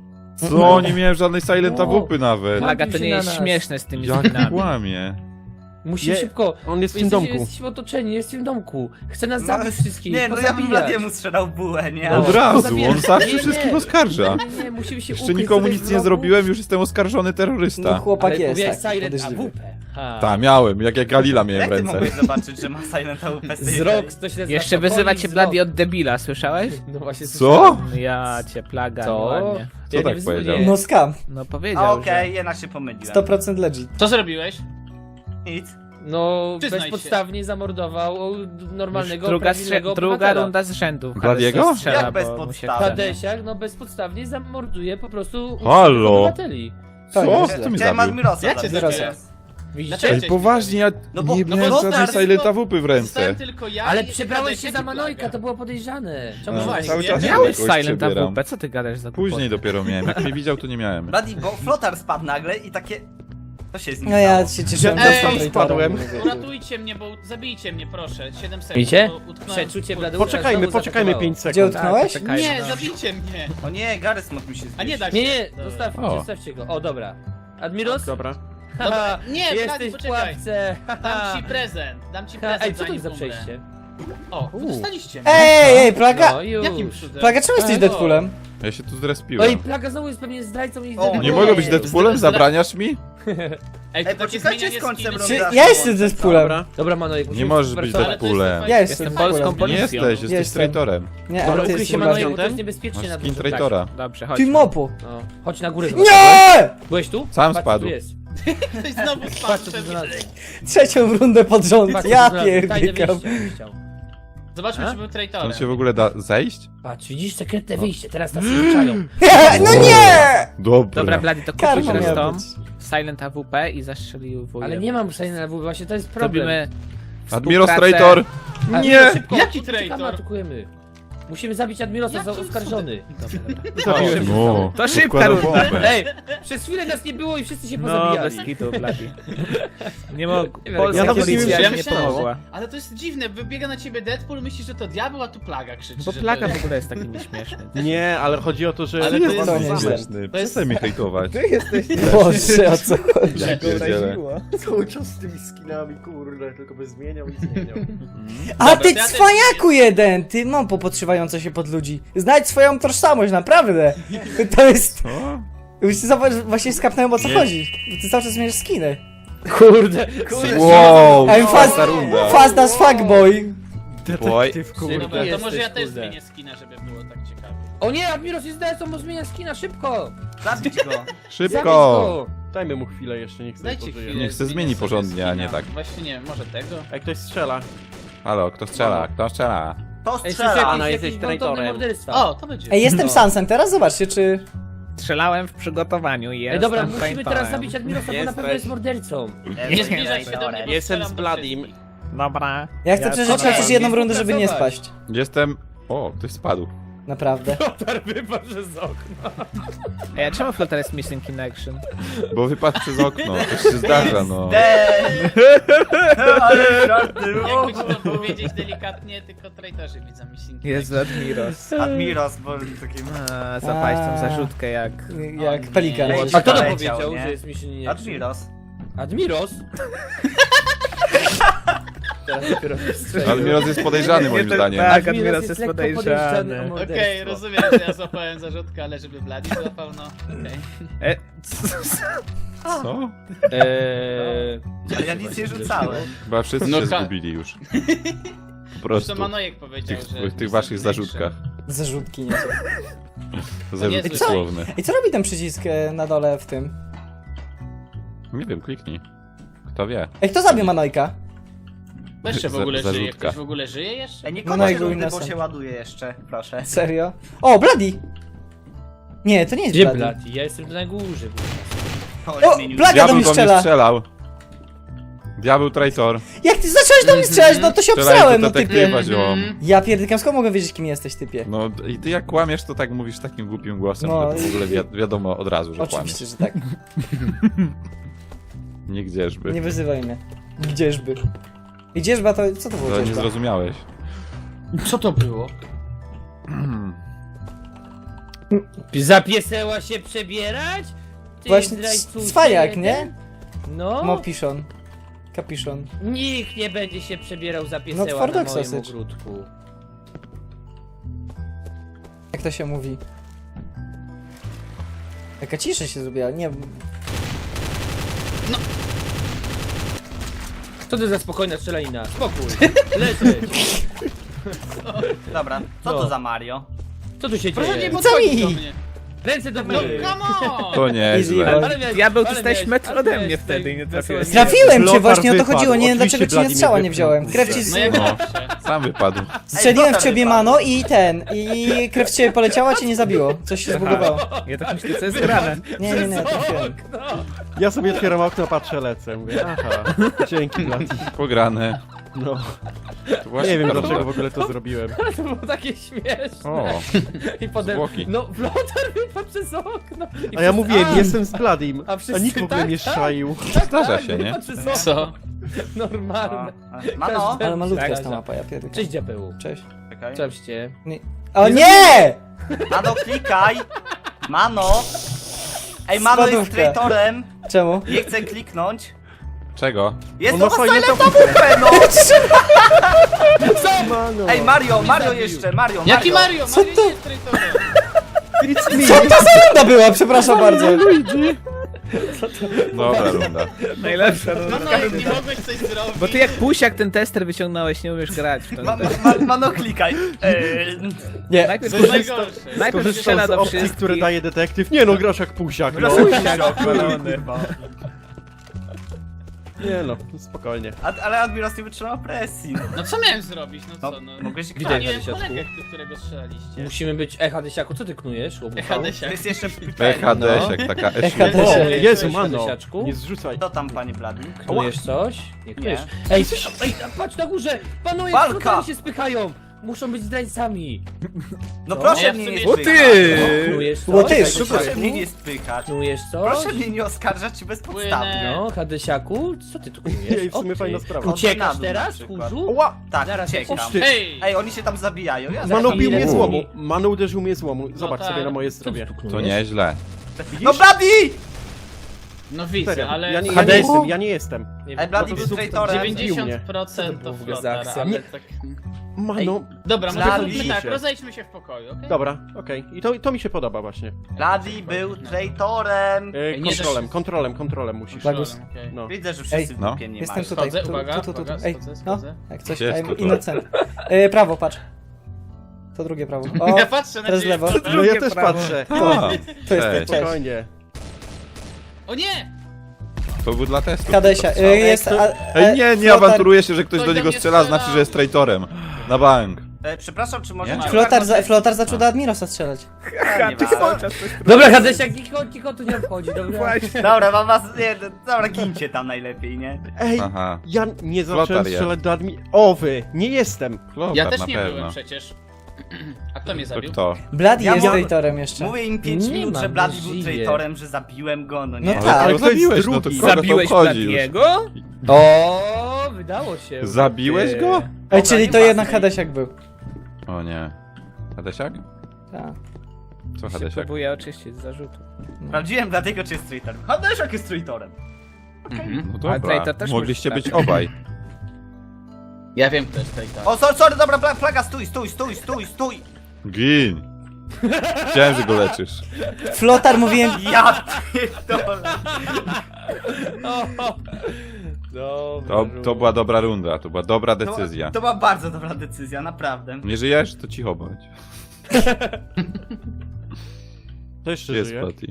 [SPEAKER 2] Co? Nie miałem żadnej Silent
[SPEAKER 6] No.
[SPEAKER 2] A W P nawet.
[SPEAKER 1] Plaga to
[SPEAKER 6] Kampił
[SPEAKER 1] nie
[SPEAKER 6] się
[SPEAKER 1] jest
[SPEAKER 6] na nas.
[SPEAKER 1] śmieszne z tymi
[SPEAKER 2] Jak
[SPEAKER 1] zginami.
[SPEAKER 2] kłamie.
[SPEAKER 6] Musi
[SPEAKER 3] Je-
[SPEAKER 6] szybko.
[SPEAKER 3] On jest w tym
[SPEAKER 6] Jesteśmy,
[SPEAKER 3] domku.
[SPEAKER 6] jesteśmy otoczeni, jest w tym domku. Chce nas
[SPEAKER 7] No,
[SPEAKER 6] zabić wszystkich.
[SPEAKER 7] Nie, no ja bym
[SPEAKER 6] pozabijać.
[SPEAKER 7] Bladiemu strzelał bułę, nie?
[SPEAKER 6] No.
[SPEAKER 2] Od razu,
[SPEAKER 6] zabijać.
[SPEAKER 2] on zawsze
[SPEAKER 6] Nie, nie.
[SPEAKER 2] wszystkich oskarża.
[SPEAKER 6] Nie, nie, musimy się
[SPEAKER 2] Jeszcze
[SPEAKER 6] ukryć
[SPEAKER 2] nikomu
[SPEAKER 6] tutaj
[SPEAKER 2] nic
[SPEAKER 6] w
[SPEAKER 2] nie
[SPEAKER 6] rogu.
[SPEAKER 2] zrobiłem, już jestem oskarżony
[SPEAKER 4] No
[SPEAKER 2] terrorysta.
[SPEAKER 4] chłopak
[SPEAKER 6] Ale
[SPEAKER 4] jest
[SPEAKER 6] mówiłeś
[SPEAKER 4] taki
[SPEAKER 6] Silent A W
[SPEAKER 4] podejrzliwy.
[SPEAKER 6] P. Ha.
[SPEAKER 2] Tak, miałem, jak ja Galila miałem
[SPEAKER 7] Jak
[SPEAKER 2] w
[SPEAKER 7] ty
[SPEAKER 2] ręce.
[SPEAKER 7] mogłeś zobaczyć, że ma Silent A W P?
[SPEAKER 6] Wzrok, to się nazywa
[SPEAKER 1] Jeszcze wyzywa
[SPEAKER 6] Sokolik
[SPEAKER 1] cię
[SPEAKER 6] wzrok.
[SPEAKER 1] Bloody od debila, słyszałeś?
[SPEAKER 6] No właśnie
[SPEAKER 2] Co?
[SPEAKER 1] Ja cię plaga,
[SPEAKER 6] Co?
[SPEAKER 1] ładnie.
[SPEAKER 2] Co
[SPEAKER 6] Ja
[SPEAKER 2] tak
[SPEAKER 6] nie wyzywa-
[SPEAKER 2] powiedział?
[SPEAKER 6] nie.
[SPEAKER 4] No skam.
[SPEAKER 1] No
[SPEAKER 7] A
[SPEAKER 1] powiedział,
[SPEAKER 7] okej,
[SPEAKER 1] że...
[SPEAKER 7] jednak się pomyliłem.
[SPEAKER 4] sto procent legit.
[SPEAKER 5] Co zrobiłeś?
[SPEAKER 7] Nic.
[SPEAKER 6] No,
[SPEAKER 5] Przyznaj się.
[SPEAKER 6] bezpodstawnie zamordował normalnego,
[SPEAKER 1] Druga,
[SPEAKER 6] prawdziwego
[SPEAKER 1] strze- druga
[SPEAKER 6] obywatela.
[SPEAKER 1] runda z rzędu.
[SPEAKER 2] Bladiego?
[SPEAKER 1] Hades strzela,
[SPEAKER 7] Jak
[SPEAKER 1] bo mu się
[SPEAKER 7] bezpodstawnie?
[SPEAKER 1] kradnie.
[SPEAKER 6] Hadesiak, no bezpodstawnie zamorduje po prostu
[SPEAKER 2] Halo?
[SPEAKER 6] obywateli.
[SPEAKER 4] Tak,
[SPEAKER 2] Co?
[SPEAKER 4] jest
[SPEAKER 2] Kto mnie
[SPEAKER 7] Chciałem
[SPEAKER 2] zabił?
[SPEAKER 7] Admirosa
[SPEAKER 5] Ja cię
[SPEAKER 7] zabić.
[SPEAKER 5] zabiłem.
[SPEAKER 6] Widzicie?
[SPEAKER 5] Dlaczego?
[SPEAKER 2] Ej, poważnie, ja
[SPEAKER 7] No bo-
[SPEAKER 2] nie
[SPEAKER 7] no
[SPEAKER 2] miałem
[SPEAKER 7] bo
[SPEAKER 2] żadnej
[SPEAKER 7] Flotar-
[SPEAKER 2] Silent A W P w ręce.
[SPEAKER 5] Zostałem tylko ja
[SPEAKER 6] Ale
[SPEAKER 5] i
[SPEAKER 6] przebrałeś
[SPEAKER 5] Hadesiak
[SPEAKER 6] się
[SPEAKER 5] i
[SPEAKER 6] za
[SPEAKER 5] Plaga.
[SPEAKER 6] Manojka, to było podejrzane. Czemu
[SPEAKER 2] No,
[SPEAKER 6] właśnie?
[SPEAKER 2] cały czas
[SPEAKER 1] Miałeś
[SPEAKER 2] kogoś
[SPEAKER 1] Silent A W
[SPEAKER 2] przebieram.
[SPEAKER 1] P, co ty gadasz za
[SPEAKER 2] Później
[SPEAKER 1] głupoty?
[SPEAKER 2] dopiero miałem, jak mnie widział, to nie miałem.
[SPEAKER 7] Bladi, bo Flotar spadł nagle i takie... Co się z nim
[SPEAKER 4] No ja
[SPEAKER 7] stało?
[SPEAKER 4] się cieszyłem,
[SPEAKER 5] Ej,
[SPEAKER 4] że jestem traitorem.
[SPEAKER 3] spadłem.
[SPEAKER 5] Uratujcie mnie, bo zabijcie mnie, proszę. siedem sekund.
[SPEAKER 6] Widzicie?
[SPEAKER 5] bo utknąłem
[SPEAKER 6] Przeczucie
[SPEAKER 5] w-
[SPEAKER 6] Bladeusza
[SPEAKER 3] Poczekajmy,
[SPEAKER 6] znowu
[SPEAKER 3] poczekajmy
[SPEAKER 6] zaatakowało.
[SPEAKER 3] pięć
[SPEAKER 4] Gdzie
[SPEAKER 3] sekund.
[SPEAKER 4] utknąłeś?
[SPEAKER 1] Tak, czekaj,
[SPEAKER 5] Nie,
[SPEAKER 1] no.
[SPEAKER 5] zabijcie mnie.
[SPEAKER 7] O nie, Gareth mógł mi się
[SPEAKER 5] A nie
[SPEAKER 7] zbić.
[SPEAKER 5] da się.
[SPEAKER 6] Nie, nie,
[SPEAKER 5] Dobra.
[SPEAKER 6] zostawcie,
[SPEAKER 2] O.
[SPEAKER 6] zostawcie go. O, dobra. Admiros?
[SPEAKER 3] Dobra.
[SPEAKER 6] Haha,
[SPEAKER 5] nie, Blady,
[SPEAKER 6] jesteś w
[SPEAKER 5] poczekaj.
[SPEAKER 6] pułapce.
[SPEAKER 5] Dam ci prezent. Dam ci
[SPEAKER 6] Ha,
[SPEAKER 5] prezent,
[SPEAKER 6] Ej, co to
[SPEAKER 5] zanim
[SPEAKER 6] jest za
[SPEAKER 5] umrę.
[SPEAKER 6] przejście?
[SPEAKER 5] O, wy dostaliście mnie.
[SPEAKER 4] Ej, ej, plaga!
[SPEAKER 6] No już.
[SPEAKER 5] Jakim cudem?
[SPEAKER 4] Plaga, czemu jesteś
[SPEAKER 5] Ej,
[SPEAKER 4] Deadpoolem?
[SPEAKER 2] Ja się tu
[SPEAKER 6] Oj,
[SPEAKER 2] zrespiłem.
[SPEAKER 6] Plaga znowu jest pewnie zdrajcą i...
[SPEAKER 7] O,
[SPEAKER 2] Nie mogę być Deadpoolem?
[SPEAKER 5] Zdra-
[SPEAKER 2] Zabraniasz mi?
[SPEAKER 5] Ej,
[SPEAKER 7] Ej,
[SPEAKER 5] to takie
[SPEAKER 7] poczekajcie
[SPEAKER 5] zmienianie
[SPEAKER 7] z końcem
[SPEAKER 5] skiny-
[SPEAKER 7] rundy.
[SPEAKER 4] Czy
[SPEAKER 7] aż
[SPEAKER 4] ja
[SPEAKER 7] to
[SPEAKER 4] jestem
[SPEAKER 7] łatwe.
[SPEAKER 4] Deadpoolem?
[SPEAKER 3] Dobra.
[SPEAKER 6] Dobra, Manojek, musimy
[SPEAKER 2] możesz być
[SPEAKER 6] współpracować.
[SPEAKER 2] Deadpoolem.
[SPEAKER 5] Ale to
[SPEAKER 4] Ja
[SPEAKER 5] jest
[SPEAKER 4] jestem
[SPEAKER 5] polską
[SPEAKER 4] Deadpoolem.
[SPEAKER 2] Nie
[SPEAKER 5] policją.
[SPEAKER 2] jesteś, jesteś
[SPEAKER 4] Jestem.
[SPEAKER 2] traitorem.
[SPEAKER 4] Nie,
[SPEAKER 6] Dobra,
[SPEAKER 4] ale ty
[SPEAKER 6] ukryj
[SPEAKER 4] jesteś
[SPEAKER 6] się, Manojek, bo to
[SPEAKER 3] Manojek.
[SPEAKER 6] jest niebezpiecznie na
[SPEAKER 2] Masz skin
[SPEAKER 6] dużo tak.
[SPEAKER 2] traitora.
[SPEAKER 1] Dobrze, chodź.
[SPEAKER 4] Ty mopu!
[SPEAKER 6] No, chodź na górę.
[SPEAKER 4] Nie!
[SPEAKER 6] Byłeś tu?
[SPEAKER 2] Sam
[SPEAKER 6] Patrz,
[SPEAKER 2] spadł.
[SPEAKER 6] Tu jest.
[SPEAKER 5] Ktoś znowu
[SPEAKER 6] Patrz,
[SPEAKER 5] spadł
[SPEAKER 6] co tu
[SPEAKER 5] przed...
[SPEAKER 6] znalazłem.
[SPEAKER 4] Trzecią rundę pod rząd,
[SPEAKER 6] Patrz,
[SPEAKER 4] ja
[SPEAKER 6] co tu znalazłem. Tajne
[SPEAKER 4] pierdykam.
[SPEAKER 6] wyjście bym chciał.
[SPEAKER 5] Zobaczmy,
[SPEAKER 6] A?
[SPEAKER 5] czy był
[SPEAKER 2] On
[SPEAKER 5] traitorem.
[SPEAKER 2] się w ogóle da zejść?
[SPEAKER 6] Patrz, widzisz sekretne wyjście, teraz nas nie czają.
[SPEAKER 4] No nie!
[SPEAKER 2] Dobra.
[SPEAKER 1] Dobra, Blady, to kupisz
[SPEAKER 4] Karma miała
[SPEAKER 1] resztą.
[SPEAKER 4] być.
[SPEAKER 1] Silent A W P i zastrzelił
[SPEAKER 6] Ale nie mam przejścia na W, właśnie to jest problem.
[SPEAKER 1] Robimy
[SPEAKER 2] Admiros
[SPEAKER 1] współpracę.
[SPEAKER 2] traitor!
[SPEAKER 6] A,
[SPEAKER 2] Nie!
[SPEAKER 6] Szybko,
[SPEAKER 5] Jaki
[SPEAKER 6] szybko, czekamy,
[SPEAKER 5] traitor?
[SPEAKER 6] atakujemy. Musimy zabić Admirosa,
[SPEAKER 5] Jakim
[SPEAKER 6] za oskarżony.
[SPEAKER 3] Zabiłem.
[SPEAKER 2] No,
[SPEAKER 1] To szybka
[SPEAKER 2] układam
[SPEAKER 1] runda.
[SPEAKER 2] bombę.
[SPEAKER 6] Ej, przez chwilę nas nie było i wszyscy się
[SPEAKER 1] No,
[SPEAKER 6] pozabijali.
[SPEAKER 1] bez kitu, Blady. Nie mogę.
[SPEAKER 6] Ja
[SPEAKER 1] Polska
[SPEAKER 3] nawet nie
[SPEAKER 1] policja
[SPEAKER 3] wiem,
[SPEAKER 5] Ja
[SPEAKER 1] nie
[SPEAKER 5] myślałem,
[SPEAKER 1] pomogła.
[SPEAKER 5] Ale to jest dziwne, wybiega na ciebie Deadpool, myślisz, że to diabeł, a tu Plaga krzyczy.
[SPEAKER 1] Bo
[SPEAKER 5] że
[SPEAKER 1] Plaga
[SPEAKER 5] to
[SPEAKER 1] w ogóle jest taki nieśmieszny.
[SPEAKER 3] Nie, ale chodzi o to, że...
[SPEAKER 5] Ale
[SPEAKER 2] Ale
[SPEAKER 5] to
[SPEAKER 2] jest
[SPEAKER 5] jest-
[SPEAKER 2] bardzo
[SPEAKER 4] to nie
[SPEAKER 2] śmieszny. Przestań mi hejtować.
[SPEAKER 4] Boże, o co chodzi?
[SPEAKER 2] Ja pierdzielę.
[SPEAKER 3] Cały czas z tymi skinami, kurde, tylko by zmieniał i zmieniał.
[SPEAKER 4] A
[SPEAKER 5] Dobra,
[SPEAKER 4] ty
[SPEAKER 5] to ja też-
[SPEAKER 4] cwaniaku jeden! Ty mopo podszywająca się pod ludzi. Znajdź swoją tożsamość, naprawdę! To jest...
[SPEAKER 2] O?
[SPEAKER 4] Już zobacz, właśnie skapnąłem o co
[SPEAKER 2] Nie.
[SPEAKER 4] chodzi. Ty cały czas zmieniasz skiny.
[SPEAKER 6] Kurde,
[SPEAKER 2] Wow!
[SPEAKER 4] I'm fast,
[SPEAKER 2] ta runda.
[SPEAKER 4] fast as fuckboy.
[SPEAKER 2] Boy.
[SPEAKER 5] Dobra, to
[SPEAKER 6] jesteś,
[SPEAKER 5] może ja też
[SPEAKER 6] kurde.
[SPEAKER 5] zmienię skina, żeby było tak ciekawe.
[SPEAKER 6] O nie, Admiros jest D S, on mu zmienia skina, szybko!
[SPEAKER 7] Zabić go.
[SPEAKER 6] Zabierz
[SPEAKER 2] Szybko!
[SPEAKER 6] go.
[SPEAKER 3] Dajmy mu chwilę jeszcze, niech sobie
[SPEAKER 5] Dajcie
[SPEAKER 3] pożyje.
[SPEAKER 5] chwilę.
[SPEAKER 2] Niech se
[SPEAKER 5] zmienię
[SPEAKER 2] zmieni
[SPEAKER 5] sobie
[SPEAKER 2] porządnie, a
[SPEAKER 5] skina.
[SPEAKER 2] nie tak.
[SPEAKER 5] Właśnie nie wiem, może tego?
[SPEAKER 3] Jak ktoś strzela.
[SPEAKER 2] Halo, kto strzela? Kto strzela?
[SPEAKER 7] To
[SPEAKER 6] Ej,
[SPEAKER 7] strzela.
[SPEAKER 6] słyszę
[SPEAKER 3] Ana,
[SPEAKER 6] jakieś,
[SPEAKER 3] jesteś
[SPEAKER 6] jakieś gwałtowne
[SPEAKER 3] traitorem.
[SPEAKER 6] morderstwa.
[SPEAKER 5] O, to będzie.
[SPEAKER 4] Ej, jestem
[SPEAKER 6] No.
[SPEAKER 4] Sansem, teraz zobaczcie, czy...
[SPEAKER 1] Strzelałem w przygotowaniu i
[SPEAKER 6] Ej,
[SPEAKER 1] jestem
[SPEAKER 6] dobra, musimy
[SPEAKER 1] traitorem.
[SPEAKER 6] teraz zabić Admirosa, bo na
[SPEAKER 3] Jesteś.
[SPEAKER 6] pewno jest mordercą.
[SPEAKER 5] Nie zbliżaj się do mnie, bo
[SPEAKER 3] Jestem
[SPEAKER 5] strzelam
[SPEAKER 3] z
[SPEAKER 5] do
[SPEAKER 3] Bladim.
[SPEAKER 5] wszystkich.
[SPEAKER 1] Dobra.
[SPEAKER 4] Ja chcę
[SPEAKER 3] Ja
[SPEAKER 4] przeżyć
[SPEAKER 3] dobra.
[SPEAKER 4] chociaż jedną
[SPEAKER 6] Nie
[SPEAKER 4] rundę, żeby nie
[SPEAKER 6] współpracować.
[SPEAKER 4] spaść.
[SPEAKER 2] Jestem... O, ktoś spadł.
[SPEAKER 4] Naprawdę.
[SPEAKER 6] Flotar wypadł z okna.
[SPEAKER 1] Ej, a czemu Flotar jest missing in action?
[SPEAKER 2] Bo wypadł przez okno. To się zdarza, no.
[SPEAKER 7] Deee. Ale żarty.
[SPEAKER 5] Jakby ci to powiedzieć delikatnie, tylko traitorzy widzą missing.
[SPEAKER 1] Jezu, Admiros.
[SPEAKER 7] Admiros, bo takim...
[SPEAKER 1] A, zapaść tą zarzutkę jak...
[SPEAKER 4] Jak
[SPEAKER 5] nie.
[SPEAKER 4] pelikan.
[SPEAKER 7] Ej,
[SPEAKER 6] A kto to
[SPEAKER 7] Poleciał,
[SPEAKER 6] powiedział,
[SPEAKER 7] nie?
[SPEAKER 6] że jest mission in action?
[SPEAKER 7] Admiros.
[SPEAKER 6] Admiros? Teraz dopiero strzelił.
[SPEAKER 2] Admiros jest podejrzany moim
[SPEAKER 1] to-
[SPEAKER 2] zdaniem.
[SPEAKER 1] Tak,
[SPEAKER 6] Admiros
[SPEAKER 1] Admiros
[SPEAKER 6] jest
[SPEAKER 1] jest
[SPEAKER 6] lekko
[SPEAKER 1] podejrzany.
[SPEAKER 6] podejrzany o
[SPEAKER 5] Okej,
[SPEAKER 6] morderstwo.
[SPEAKER 5] rozumiem, że ja złapałem zarzutkę, ale żeby Bladi złapał, no. Okej.
[SPEAKER 1] E, c-
[SPEAKER 2] Co?
[SPEAKER 6] Eee...
[SPEAKER 7] Ale ja nic nie rzucałem.
[SPEAKER 2] Chyba wszyscy
[SPEAKER 5] No
[SPEAKER 2] się
[SPEAKER 5] ka-
[SPEAKER 2] zgubili już. Po
[SPEAKER 5] Już
[SPEAKER 2] prostu.
[SPEAKER 5] to Manojek powiedział,
[SPEAKER 2] Tych,
[SPEAKER 5] że...
[SPEAKER 2] tych
[SPEAKER 5] missing
[SPEAKER 2] waszych
[SPEAKER 5] in
[SPEAKER 2] zarzutkach.
[SPEAKER 4] Zarzutki nie są.
[SPEAKER 2] Zarzutki
[SPEAKER 5] niezłe.
[SPEAKER 2] słowne.
[SPEAKER 4] I co robi ten przycisk e, na dole w tym?
[SPEAKER 2] Nie wiem, kliknij. Kto wie?
[SPEAKER 4] Ej, kto zabił Manojka?
[SPEAKER 5] To jeszcze w
[SPEAKER 2] Za-
[SPEAKER 5] ogóle żyje.
[SPEAKER 2] zarzutka.
[SPEAKER 5] Ktoś w ogóle żyje jeszcze?
[SPEAKER 7] Ej, nie
[SPEAKER 4] No,
[SPEAKER 7] kończcie
[SPEAKER 4] no i
[SPEAKER 7] rundy, bo
[SPEAKER 4] innocent.
[SPEAKER 7] się ładuje jeszcze, proszę.
[SPEAKER 4] Serio? O, Bloody! Nie, to nie jest
[SPEAKER 6] Gdzie
[SPEAKER 4] Bloody.
[SPEAKER 6] Bladi? Ja jestem na górze.
[SPEAKER 4] O,
[SPEAKER 7] zmienił.
[SPEAKER 4] Blaga do
[SPEAKER 2] Diabeł
[SPEAKER 4] mnie
[SPEAKER 2] do mnie
[SPEAKER 4] strzela!
[SPEAKER 2] strzelał. Diabeł traitor.
[SPEAKER 4] Jak ty zacząłeś do mnie strzelać, no to się
[SPEAKER 2] Strzelaj
[SPEAKER 4] obsrałem,
[SPEAKER 2] do
[SPEAKER 4] no typie.
[SPEAKER 2] detektywa, ziom.
[SPEAKER 5] Mhm.
[SPEAKER 4] Ja pierdykam, skąd mogę wiedzieć, kim jesteś, typie?
[SPEAKER 2] No i ty jak kłamiesz, to tak mówisz takim głupim głosem,
[SPEAKER 4] No
[SPEAKER 2] że to w ogóle wi wiadomo od razu, że
[SPEAKER 4] Oczywiście,
[SPEAKER 2] kłamiesz.
[SPEAKER 4] że tak.
[SPEAKER 2] Nigdzieżby.
[SPEAKER 4] Nie wyzywaj mnie. Gdzieżby? Gdzieżba to... co to było
[SPEAKER 2] To nie
[SPEAKER 4] gdzieżba?
[SPEAKER 2] zrozumiałeś.
[SPEAKER 5] Co to było?
[SPEAKER 6] Zapieseła się przebierać? Ty
[SPEAKER 4] Właśnie
[SPEAKER 6] zdrajcusie
[SPEAKER 4] cwaniak,
[SPEAKER 6] jeden?
[SPEAKER 4] nie?
[SPEAKER 6] No.
[SPEAKER 4] Mopiszon. Kapiszon.
[SPEAKER 6] Nikt nie będzie się przebierał za
[SPEAKER 4] No,
[SPEAKER 6] pieseła na
[SPEAKER 4] twardok
[SPEAKER 6] moim
[SPEAKER 4] sausage.
[SPEAKER 6] ogródku.
[SPEAKER 4] Jak to się mówi? Jaka cisza się zrobiła, nie...
[SPEAKER 6] Co to za spokojna strzelanina? Spokój. Leżeć.
[SPEAKER 7] Dobra, co
[SPEAKER 6] No.
[SPEAKER 7] to za Mario?
[SPEAKER 6] Co tu się
[SPEAKER 5] Proszę nie
[SPEAKER 6] dzieje?
[SPEAKER 5] podchodzić do
[SPEAKER 4] mi?
[SPEAKER 5] mnie.
[SPEAKER 6] Ręce do
[SPEAKER 5] No
[SPEAKER 6] góry.
[SPEAKER 5] come on!
[SPEAKER 2] To nieźle.
[SPEAKER 4] Easy.
[SPEAKER 6] Ale miałeś-
[SPEAKER 1] Diabeł, ty
[SPEAKER 6] ale
[SPEAKER 1] stałeś
[SPEAKER 6] miałeś-
[SPEAKER 1] metr
[SPEAKER 6] ale
[SPEAKER 1] ode
[SPEAKER 6] miałeś
[SPEAKER 1] mnie
[SPEAKER 6] tutaj
[SPEAKER 1] wtedy i nie
[SPEAKER 6] wesołe
[SPEAKER 1] trafiłeś.
[SPEAKER 6] miejsce.
[SPEAKER 4] Trafiłem cię,
[SPEAKER 3] Lotar
[SPEAKER 4] właśnie o to
[SPEAKER 3] wypadł.
[SPEAKER 4] chodziło, nie wiem
[SPEAKER 3] Oczywiście
[SPEAKER 4] dlaczego ci nie
[SPEAKER 3] Bloody
[SPEAKER 4] strzała
[SPEAKER 3] nie
[SPEAKER 4] nie wziąłem.
[SPEAKER 3] wypchnął.
[SPEAKER 4] Krew ci...
[SPEAKER 5] No jak
[SPEAKER 2] No.
[SPEAKER 5] zawsze.
[SPEAKER 2] Sam wypadł.
[SPEAKER 4] Strzeliłem w
[SPEAKER 7] Lotar
[SPEAKER 4] ciebie,
[SPEAKER 7] wypadł.
[SPEAKER 4] mano, i ten, i krew w ciebie poleciała, cię nie zabiło. Coś się zbugowało.
[SPEAKER 1] Ja tak myślę, co jest grane.
[SPEAKER 4] Nie, nie, nie, trafiłem.
[SPEAKER 3] Ja sobie otwieram okno, patrzę, lecę. Mówię, aha, dzięki Bladi.
[SPEAKER 2] Pograne.
[SPEAKER 3] No,
[SPEAKER 2] To właśnie
[SPEAKER 3] nie wiem
[SPEAKER 2] bardzo-
[SPEAKER 3] dlaczego w ogóle to zrobiłem.
[SPEAKER 6] Ale to było takie śmieszne.
[SPEAKER 2] O,
[SPEAKER 6] I potem,
[SPEAKER 2] zwłoki.
[SPEAKER 6] no, Flotar wypadł przez okno. I
[SPEAKER 3] A ja
[SPEAKER 6] wszyscy-
[SPEAKER 3] mówiłem,
[SPEAKER 6] A,
[SPEAKER 3] jestem z Bladim,
[SPEAKER 6] A
[SPEAKER 3] a
[SPEAKER 6] wszyscy
[SPEAKER 3] nikt w ogóle
[SPEAKER 6] tak,
[SPEAKER 3] nie
[SPEAKER 6] tak.
[SPEAKER 3] strzaił.
[SPEAKER 2] zdarza się, nie?
[SPEAKER 6] wypadł przez okno.
[SPEAKER 5] Co?
[SPEAKER 6] Normalne.
[SPEAKER 7] A, Mano?
[SPEAKER 4] Ale malutka
[SPEAKER 6] Tak,
[SPEAKER 4] jest ta
[SPEAKER 6] tak.
[SPEAKER 4] mapa, ja pierdykam.
[SPEAKER 6] Cześć diabeł.
[SPEAKER 4] Cześć.
[SPEAKER 7] Czekaj.
[SPEAKER 6] Czeście.
[SPEAKER 4] O nie!
[SPEAKER 7] Mano, klikaj! Mano! Ej, Mano jest
[SPEAKER 4] Spadówka.
[SPEAKER 7] traitorem!
[SPEAKER 4] Czemu?
[SPEAKER 7] Nie chcę kliknąć.
[SPEAKER 2] Czego?
[SPEAKER 7] Jest
[SPEAKER 3] On ma
[SPEAKER 7] to
[SPEAKER 3] fajne
[SPEAKER 7] Silent
[SPEAKER 3] topy.
[SPEAKER 7] A W P, no!
[SPEAKER 3] Mano.
[SPEAKER 7] Ej, Mario, Mario
[SPEAKER 6] zabił.
[SPEAKER 7] jeszcze, Mario,
[SPEAKER 5] Jaki
[SPEAKER 7] Mario!
[SPEAKER 5] Mario?
[SPEAKER 4] Co
[SPEAKER 5] Mario
[SPEAKER 4] to?
[SPEAKER 5] nie jest traitorem.
[SPEAKER 3] It's me!
[SPEAKER 4] Co to za runda była? Przepraszam bardzo.
[SPEAKER 2] Dobra runda.
[SPEAKER 1] Najlepsza
[SPEAKER 5] No
[SPEAKER 1] runda.
[SPEAKER 5] no, nie mogłeś coś zrobić.
[SPEAKER 1] Bo ty jak pusiak ten tester wyciągnąłeś, nie umiesz grać w to.
[SPEAKER 7] Ma, ma, mano, klikaj. Eee,
[SPEAKER 4] Nie.
[SPEAKER 1] Najpierw
[SPEAKER 5] To jest
[SPEAKER 1] korzystał,
[SPEAKER 5] najgorsze.
[SPEAKER 1] najpierw
[SPEAKER 3] Korzystam
[SPEAKER 1] strzela
[SPEAKER 3] z
[SPEAKER 1] do
[SPEAKER 3] opcji,
[SPEAKER 1] wszystkich.
[SPEAKER 3] które daje detektyw. Nie no, grasz jak pusiak, no.
[SPEAKER 1] Pusiak walony.
[SPEAKER 3] Nie no, spokojnie.
[SPEAKER 7] A, ale Admiros nie wytrzymał presji.
[SPEAKER 5] No co miałem zrobić? No
[SPEAKER 7] No,
[SPEAKER 5] co, no.
[SPEAKER 7] mogłeś
[SPEAKER 6] Widziałem
[SPEAKER 7] grać.
[SPEAKER 5] Nie wiem,
[SPEAKER 6] Hadesiaczku.
[SPEAKER 5] kolegę, którego strzelaliście.
[SPEAKER 6] Musimy być... Ej, Hadesiaku, co ty knujesz?
[SPEAKER 5] E,
[SPEAKER 6] Łobuzu?
[SPEAKER 7] To
[SPEAKER 5] Hadesiak.
[SPEAKER 7] jest jeszcze
[SPEAKER 2] P H D,
[SPEAKER 6] No.
[SPEAKER 2] jak taka
[SPEAKER 4] P H D.
[SPEAKER 2] eśmia.
[SPEAKER 3] O,
[SPEAKER 6] Ej,
[SPEAKER 3] Jezu,
[SPEAKER 6] cześć,
[SPEAKER 3] mano!
[SPEAKER 6] Hadesiaczku.
[SPEAKER 3] Nie zrzucaj.
[SPEAKER 7] Co tam, panie Blady?
[SPEAKER 6] Knujesz coś? Nie knujesz.
[SPEAKER 7] Nie.
[SPEAKER 6] Ej, coś, ej, patrz na górze! Panowie,
[SPEAKER 7] Walka!
[SPEAKER 6] flotary się spychają! Muszą być zdrajcami.
[SPEAKER 7] No
[SPEAKER 6] Co?
[SPEAKER 7] proszę
[SPEAKER 5] Ja w
[SPEAKER 7] mnie
[SPEAKER 5] sumie-
[SPEAKER 7] nie
[SPEAKER 1] O
[SPEAKER 7] spychać.
[SPEAKER 1] ty!
[SPEAKER 6] Knujesz coś?
[SPEAKER 4] O ty,
[SPEAKER 6] Hadesiaku?
[SPEAKER 7] Proszę mnie nie spychać.
[SPEAKER 6] Knujesz coś?
[SPEAKER 7] Proszę mnie nie oskarżać bezpodstawnie.
[SPEAKER 5] Płynę.
[SPEAKER 6] No, Hadesiaku, co ty tu knujesz?
[SPEAKER 3] Jej, w sumie
[SPEAKER 6] O, ty.
[SPEAKER 3] fajna sprawa.
[SPEAKER 6] Uciekasz
[SPEAKER 7] Na
[SPEAKER 6] teraz,
[SPEAKER 7] dół na przykład.
[SPEAKER 6] kurzu?
[SPEAKER 3] Ła!
[SPEAKER 7] Tak,
[SPEAKER 6] Zaraz,
[SPEAKER 7] uciekam.
[SPEAKER 6] jak
[SPEAKER 5] Hej!
[SPEAKER 7] Ej, oni się tam zabijają. Ja
[SPEAKER 3] Mano
[SPEAKER 6] chwilę
[SPEAKER 3] bił mnie
[SPEAKER 6] pół.
[SPEAKER 3] złomu. Mano uderzył mnie złomu. Zobacz
[SPEAKER 5] tak.
[SPEAKER 3] sobie na moje
[SPEAKER 6] Co ty
[SPEAKER 3] zdrowie.
[SPEAKER 6] tu
[SPEAKER 2] To
[SPEAKER 6] knujesz?
[SPEAKER 2] nieźle.
[SPEAKER 7] No Blady!
[SPEAKER 5] No widzę,
[SPEAKER 3] Serio,
[SPEAKER 5] ale...
[SPEAKER 3] ja nie, ja nie
[SPEAKER 6] Hades.
[SPEAKER 3] jestem, ja nie jestem.
[SPEAKER 6] Nie
[SPEAKER 7] Ej,
[SPEAKER 6] wiem,
[SPEAKER 7] Blady
[SPEAKER 6] po
[SPEAKER 7] był
[SPEAKER 6] prostu-
[SPEAKER 7] traitorem.
[SPEAKER 5] dziewięćdziesiąt
[SPEAKER 6] Co to
[SPEAKER 5] procent
[SPEAKER 6] było
[SPEAKER 5] to
[SPEAKER 6] w ogóle za
[SPEAKER 5] flotar,
[SPEAKER 6] akcja?
[SPEAKER 5] ale
[SPEAKER 6] Nie.
[SPEAKER 5] tak...
[SPEAKER 3] Mano.
[SPEAKER 5] Dobra, może
[SPEAKER 7] Blady
[SPEAKER 5] zróbmy tak,
[SPEAKER 3] się.
[SPEAKER 5] rozejdźmy się w pokoju, okej?
[SPEAKER 3] Dobra, okej. I to, to mi się podoba właśnie.
[SPEAKER 7] Blady był traitorem.
[SPEAKER 3] E,
[SPEAKER 5] nie, że-
[SPEAKER 3] kontrolem, kontrolem, kontrolem musisz.
[SPEAKER 4] Bagus.
[SPEAKER 5] Okej.
[SPEAKER 3] No.
[SPEAKER 7] Widzę, że
[SPEAKER 4] Ej,
[SPEAKER 7] wszyscy w
[SPEAKER 2] no.
[SPEAKER 7] dupie nie
[SPEAKER 4] Jestem
[SPEAKER 7] mają.
[SPEAKER 4] tutaj.
[SPEAKER 5] Schodzę,
[SPEAKER 4] Tu,
[SPEAKER 5] uwaga,
[SPEAKER 4] tu, tu, tu, tu.
[SPEAKER 5] uwaga,
[SPEAKER 4] Ej,
[SPEAKER 5] schodzę,
[SPEAKER 4] no,
[SPEAKER 5] schodzę.
[SPEAKER 4] jak coś,
[SPEAKER 2] Gdzie jest
[SPEAKER 4] I'm
[SPEAKER 2] to tu?
[SPEAKER 4] innocent. E, prawo, patrz. To drugie prawo. O,
[SPEAKER 5] Ja patrzę na
[SPEAKER 4] teraz
[SPEAKER 5] ciebie.
[SPEAKER 4] lewo.
[SPEAKER 5] flotar.
[SPEAKER 3] No ja
[SPEAKER 1] Drugie
[SPEAKER 3] też
[SPEAKER 1] prawo.
[SPEAKER 3] patrzę.
[SPEAKER 2] A,
[SPEAKER 4] to jest
[SPEAKER 2] cześć.
[SPEAKER 4] cześć.
[SPEAKER 3] Spokojnie.
[SPEAKER 5] O nie!
[SPEAKER 2] To był dla testu.
[SPEAKER 4] Kadesia,
[SPEAKER 2] To co?
[SPEAKER 4] e, jest... A,
[SPEAKER 2] Ej, nie, nie
[SPEAKER 4] flotar-
[SPEAKER 2] awanturuje się, że ktoś
[SPEAKER 5] Ktoś
[SPEAKER 2] do
[SPEAKER 5] do
[SPEAKER 2] niego
[SPEAKER 5] mnie
[SPEAKER 2] strzela,
[SPEAKER 5] strzela.
[SPEAKER 2] znaczy, że jest traitorem. Na bank.
[SPEAKER 7] E, przepraszam, czy może...
[SPEAKER 2] Nie?
[SPEAKER 4] Flotar, za, flotar zaczął do Admirosa strzelać.
[SPEAKER 6] Dobra, Hadesiak, nikogo, nikogo tu nie obchodzi, dobra?
[SPEAKER 1] Właśnie.
[SPEAKER 7] Dobra, mam was... Nie, no, dobra, gincie tam najlepiej, nie?
[SPEAKER 3] Ej,
[SPEAKER 2] Aha.
[SPEAKER 3] ja nie
[SPEAKER 2] Flotar
[SPEAKER 3] zacząłem
[SPEAKER 2] jest.
[SPEAKER 3] strzelać do admi... O wy, nie jestem.
[SPEAKER 2] Flotar
[SPEAKER 5] Ja też
[SPEAKER 2] na
[SPEAKER 5] nie
[SPEAKER 2] pewno.
[SPEAKER 5] byłem przecież. A kto mnie
[SPEAKER 2] To
[SPEAKER 5] zabił?
[SPEAKER 2] kto?
[SPEAKER 4] Bloody
[SPEAKER 7] Ja
[SPEAKER 4] jest
[SPEAKER 7] mam-
[SPEAKER 4] traitorem jeszcze.
[SPEAKER 7] Mówię im pięć
[SPEAKER 6] Nie
[SPEAKER 7] minut,
[SPEAKER 6] ma,
[SPEAKER 7] że
[SPEAKER 6] nie
[SPEAKER 7] Blady był
[SPEAKER 6] żyje.
[SPEAKER 7] traitorem, że zabiłem go, no
[SPEAKER 4] No
[SPEAKER 7] nie?
[SPEAKER 2] Ale
[SPEAKER 4] tak.
[SPEAKER 2] kogo
[SPEAKER 3] kto jest
[SPEAKER 2] zabiłeś, no to
[SPEAKER 3] drugi?
[SPEAKER 2] kogo to
[SPEAKER 1] Zabiłeś
[SPEAKER 2] obchodzi już?
[SPEAKER 1] Bladiego?
[SPEAKER 6] O, wydało się.
[SPEAKER 2] Zabiłeś go?
[SPEAKER 4] Ej, czyli to
[SPEAKER 7] nieważne.
[SPEAKER 4] jednak Hadesiak był.
[SPEAKER 2] O nie. Hadesiak?
[SPEAKER 4] Tak.
[SPEAKER 2] Co
[SPEAKER 1] Się
[SPEAKER 2] Hadesiak?
[SPEAKER 1] próbuję oczyścić z zarzutu.
[SPEAKER 7] Sprawdziłem dlatego, czy jest traitorem. Hadesiak jest traitorem.
[SPEAKER 2] No
[SPEAKER 1] Ale
[SPEAKER 2] dobra,
[SPEAKER 1] traitor też
[SPEAKER 2] mogliście
[SPEAKER 1] może
[SPEAKER 2] być
[SPEAKER 1] tak.
[SPEAKER 2] obaj.
[SPEAKER 5] Ja wiem, kto jest traitor.
[SPEAKER 7] O, sorry, sorry, dobra, pla- plaga, stój, stój, stój, stój, stój!
[SPEAKER 2] Gin! Chciałem, że go leczysz.
[SPEAKER 4] Flotar mówiłem...
[SPEAKER 7] Ja pierdolę.
[SPEAKER 2] To,
[SPEAKER 6] Dobra,
[SPEAKER 2] to była dobra runda, to była dobra
[SPEAKER 7] To,
[SPEAKER 2] decyzja.
[SPEAKER 7] to była bardzo dobra decyzja, naprawdę.
[SPEAKER 2] Nie żyjesz? To cicho bądź.
[SPEAKER 3] To jeszcze
[SPEAKER 2] Jest
[SPEAKER 3] żyje.
[SPEAKER 2] Patty.